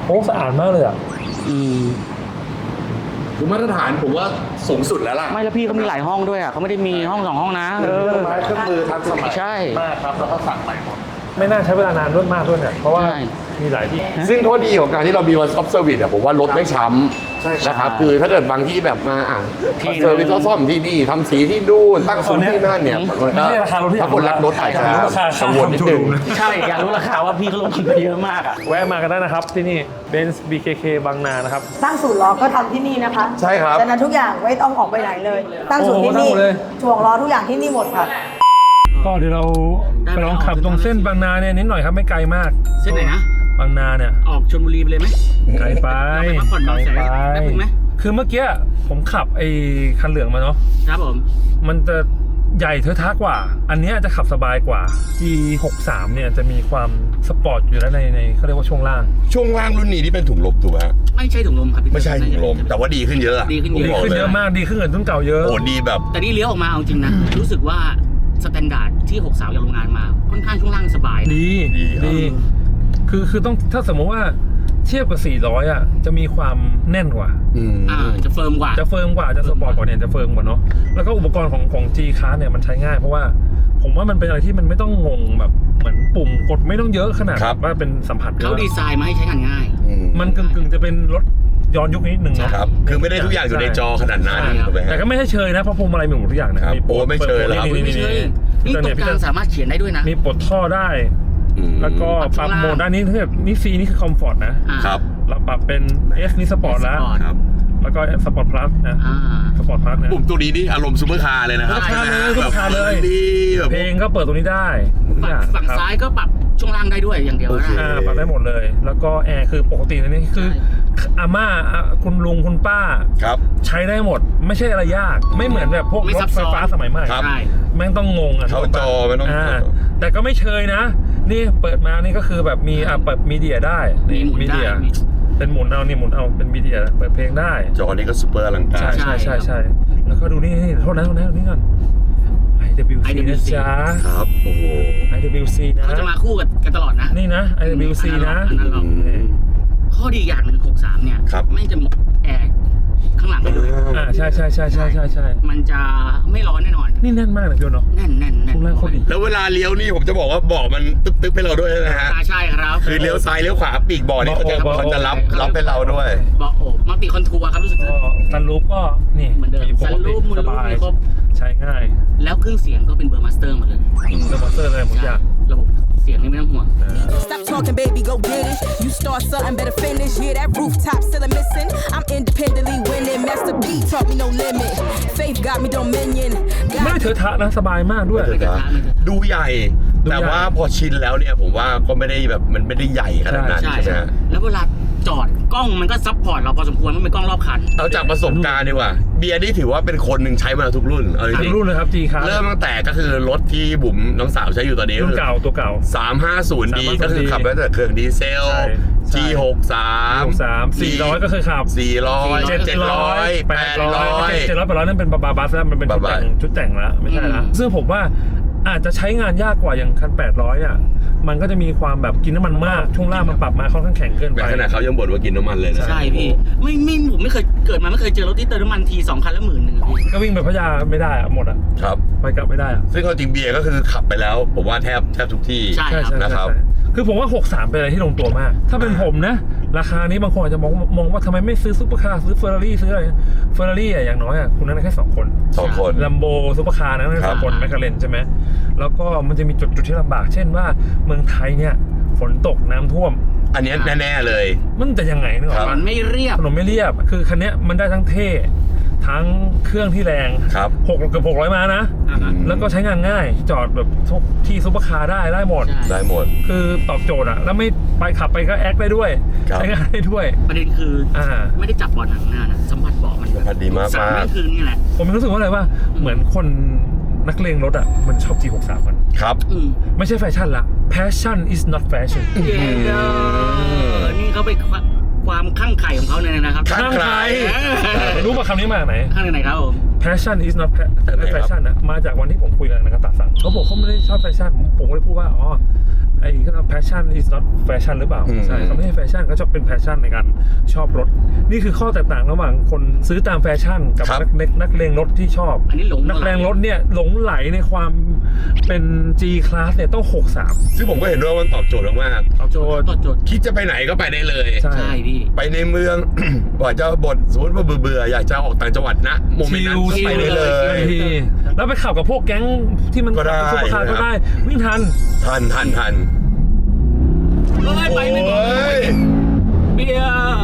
[SPEAKER 1] โอ้สะอาดมากเลยอ่ะ
[SPEAKER 2] อืม
[SPEAKER 5] คือมาตรฐานผมว่าสูงสุดแล้วล่ะ
[SPEAKER 2] ไม่แล้วพี่เขามีหลายห้องด้วยอ่ะเขาไม่ได้มีห้องสองห้องนะเอ
[SPEAKER 4] เค
[SPEAKER 2] อ
[SPEAKER 4] รื่องไม้เครื่องมือทันสมัย
[SPEAKER 2] ใช่
[SPEAKER 4] มากครับ แล้วก็สั่งใหม่หมด
[SPEAKER 1] ไม่น่าใช้เวลานานด้วยมากด้วยเนี่ยเพราะว่า
[SPEAKER 2] ใช่
[SPEAKER 1] มีหลายที่
[SPEAKER 5] ซึ่งข้อดีของการที่เรามี one stop service อะผมว่ารถไม่ช้ำ
[SPEAKER 4] ใช่ครับ
[SPEAKER 5] นะครับคือถ้าเกิดบางที่แบบมาอ่ะ
[SPEAKER 2] ที่
[SPEAKER 5] เซอร์วิสซ่อมที่นี่ทำสีที่นู่นตั้งศูนย์ที่นั่นเนี่ยมันก็
[SPEAKER 1] ไม่ใช่ราคารถที่
[SPEAKER 5] ถ้าคนรักรถอาจจะ
[SPEAKER 1] ราคา
[SPEAKER 5] กังวลนิดนึง
[SPEAKER 2] ใช่อยากรู้ราคาว่าพี่เขาลงทุนไปเยอะมากอ่ะ
[SPEAKER 1] แวะมากันได้นะครับที่นี่ Benz บี เค เค บางนานะครับ
[SPEAKER 3] ตั้งศูนย์ล้อก็ทำที่นี่นะคะ
[SPEAKER 5] ใช่ครับ
[SPEAKER 3] ฉะนั้นทุกอย่างไม่ต้องออกไปไหนเลย ตั้งศูนย์ที่
[SPEAKER 1] โอ้
[SPEAKER 3] นี่
[SPEAKER 1] โหตั้งหมดเลย
[SPEAKER 3] ถ่วงล้อทุกอย่างที่นี่หมดค่ะ
[SPEAKER 1] ก็เดี๋ยวเราไปลองขับตรงเส้นบางนาเนี่ยนิดหน่อยครับไม่ไกลมาก
[SPEAKER 2] เส้นไหนนะ
[SPEAKER 1] บางนาเนี่ย
[SPEAKER 2] ออกชลบุรีไปเลยไหม
[SPEAKER 1] ไกลไป
[SPEAKER 2] เราไปพักผ่อน
[SPEAKER 1] ไกล
[SPEAKER 2] บางแสน
[SPEAKER 1] ไป
[SPEAKER 2] แป๊บนึงไหม
[SPEAKER 1] คือเมื่อกี้ผมขับไอ้คันเหลืองมาเนาะ
[SPEAKER 2] ครับผม
[SPEAKER 1] มันจะใหญ่เทอะทะกว่า อันเนี้ยจะขับสบายกว่า จี หกสิบสาม เนี่ยจะมีความสปอร์ตอยู่แล้วในในเขาเรียกว่าช่วงล่าง
[SPEAKER 5] ช่วงล่างรุ่นนี้ที่เป็นถุงลมถูกไหมฮะ
[SPEAKER 2] ไม่ใช่ถุงลมครับพี่
[SPEAKER 5] ไม่ใช่ถุงลม แต่ว่าดีขึ้นเยอะอะ
[SPEAKER 2] ดีขึ้น
[SPEAKER 5] ผม
[SPEAKER 2] เย
[SPEAKER 1] ดี
[SPEAKER 2] อะ
[SPEAKER 5] บก
[SPEAKER 1] ขึ้น
[SPEAKER 5] ล
[SPEAKER 1] เยอะมากดีขึ้นกว่ารุ่นเก่าเยอะ
[SPEAKER 5] โอ้ดีแบบ
[SPEAKER 2] แต่นี่เลี้ยวออกมาเอาจริงนะ รู้สึกว่าสแตนดาร์ดที่หกสาวจากโรงงานมา ค่อนข้างช่วงล่างสบายนะ
[SPEAKER 1] ดี
[SPEAKER 5] ดีครับ
[SPEAKER 1] ดีคือคือต้องถ้าสมมติว่าเทียบกับสี่ร้อยอ่ะจะมีความแน่นกว่า
[SPEAKER 5] อืม
[SPEAKER 2] อ่าจะเฟิร์มกว่า
[SPEAKER 1] จะเฟิร์มกว่าจะสปอร์ตกว่าเนี่ยจะเฟิร์มกว่าเนาะแล้วก็อุปกรณ์ของของ G Class เนี่ยมันใช้ง่ายเพราะว่าผมว่ามันเป็นอะไรที่มันไม่ต้องงงแบบเหมือนปุ่มกดไม่ต้องเยอะขนาด
[SPEAKER 5] ครับ
[SPEAKER 1] ว่าเป็นสัมผัสเย
[SPEAKER 2] เขา
[SPEAKER 1] อะ
[SPEAKER 2] ดีไซน์มาให้ใช้งานง่าย
[SPEAKER 5] อืม
[SPEAKER 1] มันกึ่งกึ่งๆจะเป็นรถย้อนยุคนิดหนึ่งนะครับ
[SPEAKER 5] คือไม่ได้ทุกอย่างอยู่ในจอขนาดนั้น
[SPEAKER 2] ใช่ครับ
[SPEAKER 5] ถูกไหมฮะ
[SPEAKER 1] แต่ก็ไม่ใช่เชยนะเพราะพวงมาลัยมีหมดทุกอย่างนะครับ มี
[SPEAKER 5] โอ้ไม่เชยแล้วครับ
[SPEAKER 1] นี่
[SPEAKER 2] ไม่
[SPEAKER 1] นี่
[SPEAKER 2] ใช่
[SPEAKER 1] นี่
[SPEAKER 2] นี่ตรงกลางสามารถเขียนได้ด้วยนะ
[SPEAKER 1] มีปลดท่อได้
[SPEAKER 5] อืม
[SPEAKER 1] แล้วก็ปรับโหมดด้านนี้คือนี่ C นี่คือคอมฟอร์ตนะ
[SPEAKER 2] อ่า
[SPEAKER 5] ครับ
[SPEAKER 1] เราปรับเป็น S นี่สปอร์ตแล้ว
[SPEAKER 2] Sport
[SPEAKER 5] ครับ
[SPEAKER 1] แล้วก็สปอร์ตพลัสนะ
[SPEAKER 2] อ่า
[SPEAKER 1] สปอร์ตพลัสนะ
[SPEAKER 5] ปุ่มตัวนี้นี่อารมณ์ซูเปอร์คาร์เลยนะครับ
[SPEAKER 1] ซูเปอร์คาร์เลยซูเปอร์คาร์เลย
[SPEAKER 5] ดีแบบ
[SPEAKER 1] เพลงก็เปิดตรงนี้ได้ทุก
[SPEAKER 2] ฝั่
[SPEAKER 1] อง ย่าง
[SPEAKER 2] ฝั่ง
[SPEAKER 1] ครับ
[SPEAKER 2] ซ้ายก็ปรับช่วงล่างได้ด้วยอย่างเดียว
[SPEAKER 5] โอเค
[SPEAKER 2] นะ
[SPEAKER 1] อ่าปรับได้หมดเลย แล้วก็แอร์คือปกตินะนี่คือ
[SPEAKER 2] ใช่
[SPEAKER 1] อาม่าอ่ะคุณลุงคุณป้า
[SPEAKER 5] ครับ
[SPEAKER 1] ใช้ได้หมด ไม่ใช่อะไรยาก ไม่เหมือนแบบพวก
[SPEAKER 2] ไม่
[SPEAKER 1] ร
[SPEAKER 2] ซั
[SPEAKER 1] ถ
[SPEAKER 2] บ
[SPEAKER 1] ไฟ
[SPEAKER 2] ซ้อน
[SPEAKER 1] ฟ้าสมัยใหม่
[SPEAKER 5] ครับ
[SPEAKER 2] ใช่
[SPEAKER 1] แม่งต้องงงอ่ะ
[SPEAKER 5] เข้าจอไม่ต้อง
[SPEAKER 1] าแต่ก็ไม่เชยนะ นี่เปิดมานี่ก็คือแบบมีอ่ะเปิดมีเดียได้นี่
[SPEAKER 2] มีหมุน
[SPEAKER 1] มีเดีย
[SPEAKER 2] ได้
[SPEAKER 1] เป็นหมุนเอานี่หมุนเอาเป็นมีเดียเปิดเพลงได้
[SPEAKER 5] จอนี้ก็ซูเปอร์อลังกา
[SPEAKER 1] ใช่
[SPEAKER 5] ร
[SPEAKER 1] ใช่ใช่ใช่แล้วก็ดูนี่นี่โทษนะโทษนะดูนี่ก่อน ไอ ดับเบิลยู ซี นะจ๊ะ
[SPEAKER 5] ครับ โอ้โห
[SPEAKER 1] ไอ ดับเบิลยู ซี นะ
[SPEAKER 2] เขาจะมาคู่กันกันตลอดนะ
[SPEAKER 1] นี่นะ ไอ ดับเบิลยู ซี นะ
[SPEAKER 2] อันนั้นหรอก
[SPEAKER 1] นี่
[SPEAKER 2] ข้อดีอย่างหนึ่งหกสามเนี่ย
[SPEAKER 5] ครับ
[SPEAKER 2] ไม่จะมีแอร์ข้างหลังให้ด้วย
[SPEAKER 1] อ่าใช่ใช่ใช่ใช่ใช่ใช่
[SPEAKER 2] มันจะไม่ร้อนแน่นอน
[SPEAKER 1] นี่แน่นมากเลยพี่โอเนาะ
[SPEAKER 2] แน่นแน่นแน่น
[SPEAKER 1] ช่วงล่างโคตรดี
[SPEAKER 5] แล้วเวลาเลี้ยวนี่ผมจะบอกว่าเบอกมันตึ๊บๆให้เราด้วยนะฮะ
[SPEAKER 2] อ่าใช่ครับ
[SPEAKER 5] คือเลี้ยวซ้ายเลี้ยวขวาปีกบ่อนี่เขาจะ
[SPEAKER 1] เบาะ
[SPEAKER 5] เขาจะรับ
[SPEAKER 2] เบาะ
[SPEAKER 5] รับเป็นเราด้วย
[SPEAKER 2] เบาะโอบมัลติคอนทัวร์ครับรู้สึก
[SPEAKER 1] ก็ซันรูฟก็นี่
[SPEAKER 2] เหมือนเดิม
[SPEAKER 1] ปกติ
[SPEAKER 2] ซันรูฟมูล
[SPEAKER 1] ส
[SPEAKER 2] รูฟ
[SPEAKER 1] บาย
[SPEAKER 2] มีครบ
[SPEAKER 1] ใช้ง่าย
[SPEAKER 2] แล้วเครื่องเสียงก็เป็นเบอร์มาสเตอร์หมดเลย
[SPEAKER 1] เรมอเตอร์เลยหมดอย่าง
[SPEAKER 2] ระบบเสียงนี่ไม่ต้องห่วง
[SPEAKER 7] Stop talking, baby, go get it. You start something, better finish. Yeah, that rooftop still a missing. I'm independently winning. Master P taught me no limit. Faith got me dominion.
[SPEAKER 1] ไม่
[SPEAKER 7] Got
[SPEAKER 1] เถอะทะนะสบายมากด้วย
[SPEAKER 2] ไม่เถอะทะไม่เถอะทะ
[SPEAKER 5] ดูใหญ่
[SPEAKER 1] ดูใหญ่
[SPEAKER 5] แต่ว่าพอชินแล้วเนี่ยผมว่าก็ไม่ได้แบบมันไม่ได้ใหญ่ขนาดนั้น
[SPEAKER 2] ใช่
[SPEAKER 5] ใช่ไหม
[SPEAKER 2] ใช่
[SPEAKER 5] ฮะ
[SPEAKER 2] แล้วเวลาจอดกล้องมันก็ซับพอร์ตเราพอสมควรมันเป็นกล้องรอบคัน
[SPEAKER 5] เอาจากประสบการณ์ดีกว่า เบียร์นี่ถือว่าเป็นคนหนึ่งใช้มาทุกรุ่นเอาจ
[SPEAKER 1] ทั้
[SPEAKER 5] ริ
[SPEAKER 1] ง
[SPEAKER 5] ง
[SPEAKER 1] รุ่นเลยครับ G ครับ
[SPEAKER 5] ๆเริ่มตั้งแต่ก็คือรถที่บุ๋มน้องสาวใช้อยู่ตอนนี้
[SPEAKER 1] รุ่นเก่าตัวเก่า
[SPEAKER 5] สามห้าศูนย์ดี
[SPEAKER 1] สามห้าศูนย์
[SPEAKER 5] ก็คือขับมาตั้งแต่เครื่องดีเซล
[SPEAKER 1] ใช่ใช่
[SPEAKER 5] G หกสาม
[SPEAKER 1] สามสี่ร้อยก็เคยขับ
[SPEAKER 5] สี่ร้อย
[SPEAKER 2] เจ็ด
[SPEAKER 5] เจ็ดร้อย
[SPEAKER 1] แป
[SPEAKER 5] แป
[SPEAKER 1] ด
[SPEAKER 5] ด
[SPEAKER 1] ร้
[SPEAKER 5] ร้
[SPEAKER 1] อ
[SPEAKER 5] อย ย
[SPEAKER 1] เจ็ดร้อยแปดร้อยนั่นเป็นบาบาบัสแล้วมันเป็นชุดแต่ง
[SPEAKER 5] บาบา
[SPEAKER 1] ชุดแต่งแล้วไม่ใช่ละ
[SPEAKER 2] อืม
[SPEAKER 1] ซึ่งผมว่าอาจจะใช้งานยากกว่าอย่างคันแปดร้อยอ่ะมันก็จะมีความแบบกินน้ำมันมากช่วงล่างมันปรับมาค่อนข้างแข็งเกิน
[SPEAKER 5] แม้
[SPEAKER 1] ไป
[SPEAKER 5] ขนาดเขายังบ่นว่ากินน้ำมันเลยนะ
[SPEAKER 2] ใช่พี่ไม่ไม่ผมไม่เคยเกิดมาไม่เคยเจอรถที่เติมน้ำมันทีสองคันละหมื่นหนึ่งอะพี่
[SPEAKER 1] ก็วิ่งไปพัทยาไม่ได้อะหมดอ่ะ
[SPEAKER 5] ครับ
[SPEAKER 1] ไปกลับไม่ได้อ่ะ
[SPEAKER 5] ซึ่งเอาจริงเบียร์ก็คือขับไปแล้ว ผมว่าแทบแทบทุกที่
[SPEAKER 2] ใช่
[SPEAKER 1] ใช่
[SPEAKER 2] ครับ
[SPEAKER 1] ใช่
[SPEAKER 5] นะครับ
[SPEAKER 1] ใช่คือผมว่าหกสิบสามเป็นอะไรที่ลงตัวมาก ถ้าเป็นผมนะ ราคานี้บางคนอาจจะมองมองว่าทำไมไม่ซื้อซุปเปอร์คาร์ซื้อเฟอร์รารี่ซื้ออะไรเฟอร์รารี่อะอย่างน้อยอะคุณนั่นแค่สองคน
[SPEAKER 5] สองคน
[SPEAKER 1] ลัมโบซุปเปอร์คาร์นั่นแค่สองคนแมคคาเรนใช่ไหมแล้วก็มันจะมีจุดจุดที่ลำบาก เช่นว่าเมืองไทยเนี่ยฝนตกน้ำท่วม
[SPEAKER 5] อันเนี้ยแน่ๆเลย
[SPEAKER 1] มันจะยังไงนึกออก
[SPEAKER 2] มั
[SPEAKER 1] ปะ
[SPEAKER 2] นไม่เรียบ
[SPEAKER 1] ถนนไม่เรียบ คือคันเนี้ยมันได้ทั้งเท่ ทั้งเครื่องที่แรง
[SPEAKER 5] ครับ
[SPEAKER 1] หกเกือบหกร้อยม้านะ
[SPEAKER 2] อ่าฮะ
[SPEAKER 1] แล้วก็ใช้งานง่าย จอดแบบทุกที่ซุปเปอร์คาร์ได้ได้หมด
[SPEAKER 2] ใช่
[SPEAKER 5] ได้หมด
[SPEAKER 1] คือตอบโจทย์อะแล้วไม่ไปขับไปก็แอคได้ด้วย
[SPEAKER 5] ครับ
[SPEAKER 1] ใช้งานได้ด้วย
[SPEAKER 2] ประเด็นคืออา ไม่ได้จับเบาะหนังหน้านะสัมผัสเบาะมัน
[SPEAKER 5] สัมผัสดีมาก
[SPEAKER 2] สาม
[SPEAKER 5] มาก
[SPEAKER 2] นี่คือนี่แหละ
[SPEAKER 1] ผมรู้สึกว่าอะไรว่าเหมือนคนนักเลงรถอะมันชอบ จี หกสิบสาม กัน
[SPEAKER 5] ครับ
[SPEAKER 2] อืม
[SPEAKER 1] ไม่ใช่แฟชั่นละ passion is not fashion
[SPEAKER 2] เย้เด้อนี่เขาไปความข้างไข่ของเขาเนี่ยนะครับ
[SPEAKER 5] ข้างใคร
[SPEAKER 1] รู้ป่ะคำนี้มาจากไหน
[SPEAKER 2] ข้างไหนครับผม
[SPEAKER 1] passion is not fa-
[SPEAKER 5] จากไหนครับ
[SPEAKER 1] fashion นะมาจากวันที่ผมคุยกับนักตาสั่งเขาบอกเขาไม่ได้ชอบแฟชั่นผมผมก็เลยพูดว่าอ๋อไอ้ก็ passion is not fashion หรือเปล่า
[SPEAKER 5] อืม
[SPEAKER 1] ใช่เขาไม่ใช่แฟชั่นเขาชอบเป็น passion ในการชอบรถ นี่คือข้อแตกต่างระหว่างคนซื้อตามแฟชั่นกับ
[SPEAKER 5] ครับ
[SPEAKER 1] นักเล็กนักเลงรถที่ชอบ
[SPEAKER 2] อันนี้หลง
[SPEAKER 1] นักเลงรถเนี่ยหลงไหลในความเป็น G class เนี่ยต้องหกสาม
[SPEAKER 5] ซึ่งผมก็เห็นด้วยว่ามันตอบโจทย์มาก
[SPEAKER 1] เอาโจทย์
[SPEAKER 2] ต่อโจทย์
[SPEAKER 5] ๆคิดจะไปไหนก็ไปได้เลย
[SPEAKER 1] ใช่
[SPEAKER 2] ใช่พี่
[SPEAKER 5] ไปในเมือง บอกจะบทสมมติว่าเบื่อๆอยากจะออกต่างจังหวัดนะโมเมนต์นั้นก็ไปได้เล
[SPEAKER 1] ทั
[SPEAKER 5] ย
[SPEAKER 1] นทีแล้วไปขับกับพวกแก๊งที่มัน
[SPEAKER 5] ก็ได้
[SPEAKER 1] ซุปเปอร์คาร์ก็ได้วิ่งทัน
[SPEAKER 5] ทันทันทัน
[SPEAKER 2] เอ้ยไปไม่บอก
[SPEAKER 5] โอ้ย
[SPEAKER 2] เบียร์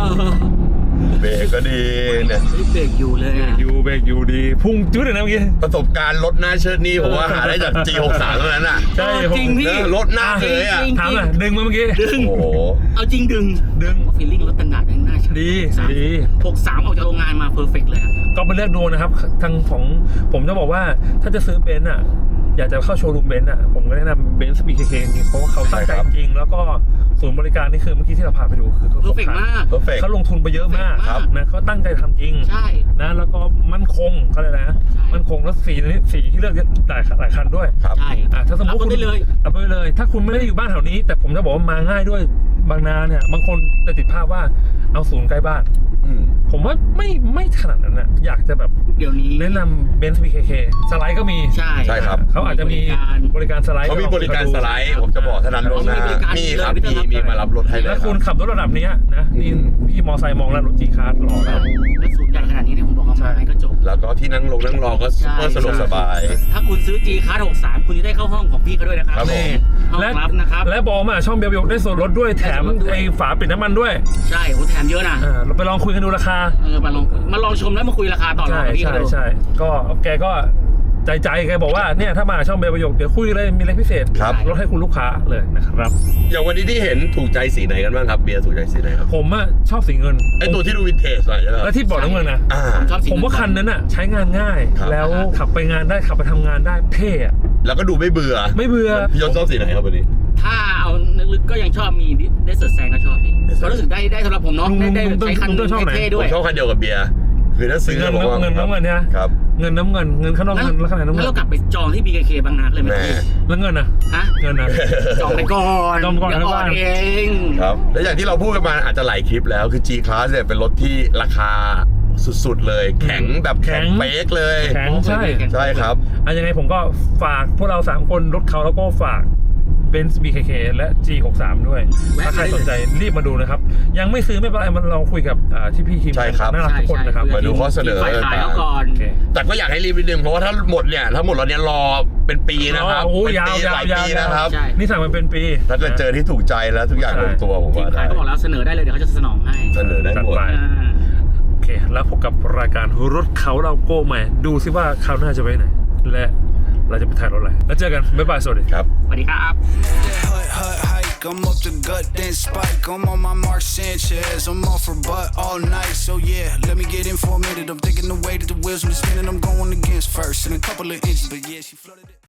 [SPEAKER 5] เบรกก็ดีเนี่ย
[SPEAKER 2] เฮ้ยเบรกอยู่เลยอะ
[SPEAKER 1] ยูเบรกยูดีพุ่งจุดเลยนะเมื่อกี้
[SPEAKER 5] ประสบการณ์รถหน้าเชิดนี่ผมว่าหาได้จาก จี หกสิบสาม เท่านั้นอ่ะ
[SPEAKER 1] ใช่
[SPEAKER 2] เออจริงพี่
[SPEAKER 5] เออรถหน้าเคยอ่ะ
[SPEAKER 2] จริง
[SPEAKER 1] ถามหน่อยดึงมาเมื่อกี้
[SPEAKER 2] ดึง
[SPEAKER 5] โอ้โห
[SPEAKER 2] เอาจริงดึง
[SPEAKER 1] ดึง
[SPEAKER 2] ฟีลลิ่งรถตันดาร์ดยังน่าใช้
[SPEAKER 1] ดีดี
[SPEAKER 2] หกสามออกจากโรงงานมาเพอร์เฟกเลยอะ
[SPEAKER 1] ก็ไปเลือกดูนะครับทางของผมจะบอกว่าถ้าจะซื้อเบนซ์อ่ะอยากจะเข้าโชว์รูมเบนซ์อ่ะผมก็แนะนำเบนซ์ บี เค เค จริงๆเพราะว่าเขาตั้งใจ
[SPEAKER 5] ใช่ครับ
[SPEAKER 1] จริงๆแล้วก็ศูนย์บริการนี่คือเมื่อกี้ที่เราผ่านไปดูคือเขา
[SPEAKER 2] เพอร์เฟกมาก
[SPEAKER 5] เพอร์เฟก
[SPEAKER 1] เขาลงทุนไปเยอะมาก
[SPEAKER 2] ครับ
[SPEAKER 1] นะเขาตั้งใจทำจริง
[SPEAKER 2] ใช่
[SPEAKER 1] นะแล้วก็มั่นคงเขาเลยกนะ
[SPEAKER 2] ใช่
[SPEAKER 1] มั่นคงแล้วสีนี้สีที่เลือกหลายหลายคันด้วย
[SPEAKER 5] ครับ
[SPEAKER 2] ใช่
[SPEAKER 1] อ่ะถ้าสมมติ
[SPEAKER 2] รับ
[SPEAKER 1] คุณ
[SPEAKER 2] ได้เลย
[SPEAKER 1] รับไปเลย ถ้าคุณไม่ได้อยู่บ้านแถวนี้ แต่ผมจะบอกว่ามาง่ายด้วยบางนาเนี่ยบางคนจะติดภาพว่าเอาศูนย์ใกล้บ้าน
[SPEAKER 5] อืม
[SPEAKER 1] ผมว่าไม่ไม่ขนาดนั้นนะอยากจะแบบ
[SPEAKER 2] เดี๋ยวนี้
[SPEAKER 1] แนะนำเบนซ์ บี เค เค สไลด์ก็มี
[SPEAKER 2] ใช่
[SPEAKER 5] ใช่ครับ
[SPEAKER 1] เขาอาจจะมีบริการสไลด์
[SPEAKER 5] เขามีบริการสไลด์ผมจะบอกเท่านั้นล่วงหน้า
[SPEAKER 2] เขามีบริการ
[SPEAKER 5] มีครับ
[SPEAKER 2] เลย
[SPEAKER 5] มีมีมารับรถให้เลย
[SPEAKER 1] แล้ว
[SPEAKER 5] ค
[SPEAKER 1] คุ
[SPEAKER 5] รั
[SPEAKER 1] ณ
[SPEAKER 5] บ
[SPEAKER 1] ขับรถระดับเนี้ยนะนี่
[SPEAKER 5] อืม
[SPEAKER 1] พี่มอไซค์มองแล้วรถจีคาร์รอแล้ว
[SPEAKER 2] แล้วสูตรใหญ่ขนาดนี้เนี่ยผมบอกว่ามาไงก็จบ
[SPEAKER 5] แล้วก็ที่นั่งลงนั่งรอก็ซุปเปอร์
[SPEAKER 2] ใช่
[SPEAKER 5] สะดวกสบาย
[SPEAKER 2] ถ้าคุณซื้อ G Class หกสามคุณจะได้เข้าห้องของพี่เขาด้วยนะครับ
[SPEAKER 5] ครับผม
[SPEAKER 2] ห้อง
[SPEAKER 1] และ
[SPEAKER 2] รับนะครับ
[SPEAKER 1] และบอกมาช่องเบลเบลได้ส่วนลดด้วยแถม
[SPEAKER 2] ได้ส่วนลดด้วย
[SPEAKER 1] ไอ้ฝาปิดน้ำมันด้วย
[SPEAKER 2] ใช่โหแถมเยอะนะ
[SPEAKER 1] อ่าเราไปลองคุยกันดูราคา
[SPEAKER 2] เออมาลองมาลองชมแล้วมาคุยราคาต่อรอง
[SPEAKER 1] ใช่
[SPEAKER 2] กับพี่
[SPEAKER 1] ใช่
[SPEAKER 2] เขาดู
[SPEAKER 1] ใช่ก็แกก็ใจใจแกบอกว่าเนี่ยถ้ามาช่องเบลประโยคเดี๋ยวคุยเลยมีอะไรพิเศษ
[SPEAKER 5] ครับ
[SPEAKER 1] ลดให้คุณลูกค้าเลยนะครับ
[SPEAKER 5] อย่างวันนี้ที่เห็นถูกใจสีไหนกันบ้างครับเบียร์ถูกใจสีไหนครับ
[SPEAKER 1] ผมอะชอบสีเงิน
[SPEAKER 5] ไอตัวที่ดูวินเทจหน่อยใช่ไหมค
[SPEAKER 1] แล้
[SPEAKER 5] รั
[SPEAKER 1] ว
[SPEAKER 5] บ
[SPEAKER 1] ที่บอกน้ำเงินนะ
[SPEAKER 5] อ่า
[SPEAKER 2] ผมชอบสี
[SPEAKER 1] ผมว่าคันนั้นอะใช้งานง่าย
[SPEAKER 5] ครับ
[SPEAKER 1] แล้วขับไปงานได้ขับไปทำงานได้เท่อะ
[SPEAKER 5] แล้วก็ดูไม่เบื่อ
[SPEAKER 1] ไม่เบื่อ
[SPEAKER 5] พี่ยศชอบสีไหนครับวันนี้
[SPEAKER 2] ถ้าเอาลึกๆก็ยังชอบมีได้เสิร์ชแซงก็ชอบพี่ก็รู้สึกได้ได้สำหรับผมเนาะ
[SPEAKER 1] ลุง
[SPEAKER 2] ได้ได้
[SPEAKER 1] ลุง
[SPEAKER 2] ใช้คัน
[SPEAKER 1] ลุงชอบไหน
[SPEAKER 2] เท่ๆ
[SPEAKER 5] ผ
[SPEAKER 2] ด้วย
[SPEAKER 5] มชอบคันเดียวกับเบียร์คือถ้าซื้อ
[SPEAKER 1] เงิน
[SPEAKER 5] ผมว่า
[SPEAKER 1] เงินน้ำเงินเนี่ย
[SPEAKER 5] ครับ
[SPEAKER 1] เงินน้ำเงินเงินข้างนอกเงินแล้วข้างในน้ำเงิ
[SPEAKER 2] งั้น
[SPEAKER 1] น
[SPEAKER 2] เรากลับไปจองที่ บี เค เค บางนาเลยไหม
[SPEAKER 5] แม่
[SPEAKER 2] พี่
[SPEAKER 1] แล้วเงินนะ
[SPEAKER 2] ฮะ
[SPEAKER 1] เงินนะ
[SPEAKER 2] จองไปก่อน
[SPEAKER 1] จองก่อน
[SPEAKER 2] เดี๋ยว
[SPEAKER 1] นะ
[SPEAKER 2] อ่อน
[SPEAKER 1] บ้าน
[SPEAKER 2] เอง
[SPEAKER 5] ครับและอย่างที่เราพูดกันมาอาจจะหลายคลิปแล้วคือ G Class เนี่ยเป็นรถที่ราคาสุดๆเลย แข็งแบบแข็งเป๊กเลย
[SPEAKER 1] แข็งใช่
[SPEAKER 5] ใช่ครับ
[SPEAKER 1] อะยังไงผมก็ฝากพวกเราสามคนรถเขาแล้วก็ฝาก Benz บี เค เค และ จี หกสิบสาม ด้วย ถ้าใครสนใจรีบมาดูนะครับ ยังไม่ซื้อไม่เป็นไรมันลองคุยกับอ่าที่พี่ทีม
[SPEAKER 5] ใช่ครับ
[SPEAKER 1] น่ารักทุกคนนะครับ
[SPEAKER 5] มาดูข้อเสนอ
[SPEAKER 2] ฝ่ายขายเขาก่อน
[SPEAKER 1] โอเค
[SPEAKER 5] แต่ก็อยากให้รีบนิดนึงเพราะว่าถ้าหมดเนี่ยถ้าหมดแล้วเนี่ยรอเป็นปีนะครับ
[SPEAKER 1] โอ้
[SPEAKER 5] เป็น
[SPEAKER 1] ยาว
[SPEAKER 5] ปี
[SPEAKER 1] ยา
[SPEAKER 5] ห
[SPEAKER 1] ว
[SPEAKER 5] ลาย
[SPEAKER 1] ยา
[SPEAKER 5] ปี
[SPEAKER 1] ว
[SPEAKER 5] นะครับ
[SPEAKER 2] ใช่
[SPEAKER 1] นี่สั่งมันเป็นปี
[SPEAKER 5] ถ้าเกิดเจอที่ถูกใจแล้วทุกอย่างลงตัวผม
[SPEAKER 2] ทีม
[SPEAKER 5] ว่า
[SPEAKER 2] ขาย
[SPEAKER 5] ได้
[SPEAKER 2] เขาบอกแล้วเสนอได้เลยเดี๋ยวเขาจะสนองให้
[SPEAKER 5] เสนอได้หมด
[SPEAKER 1] จัดไป
[SPEAKER 2] อ่า
[SPEAKER 1] โอเค แล้วพบกับรายการรถเขาเราโก้ใหม่ ดูซิว่าคราวหน้าจะไปไหน และเราจะไปถ่ายรถอะไร แล้วเจอกัน บ๊ายบาย สวัสดี
[SPEAKER 5] ครับ
[SPEAKER 2] สวัสดีครับ
[SPEAKER 6] Hut, hut, hike, I'm up the gut, then spike. I'm on my Mark Sanchez, I'm off for butt all night. So yeah, let me get in for a minute. I'm thinking the way that the wheels are spinning, I'm going against first in a couple of inches. But yeah, she flooded it.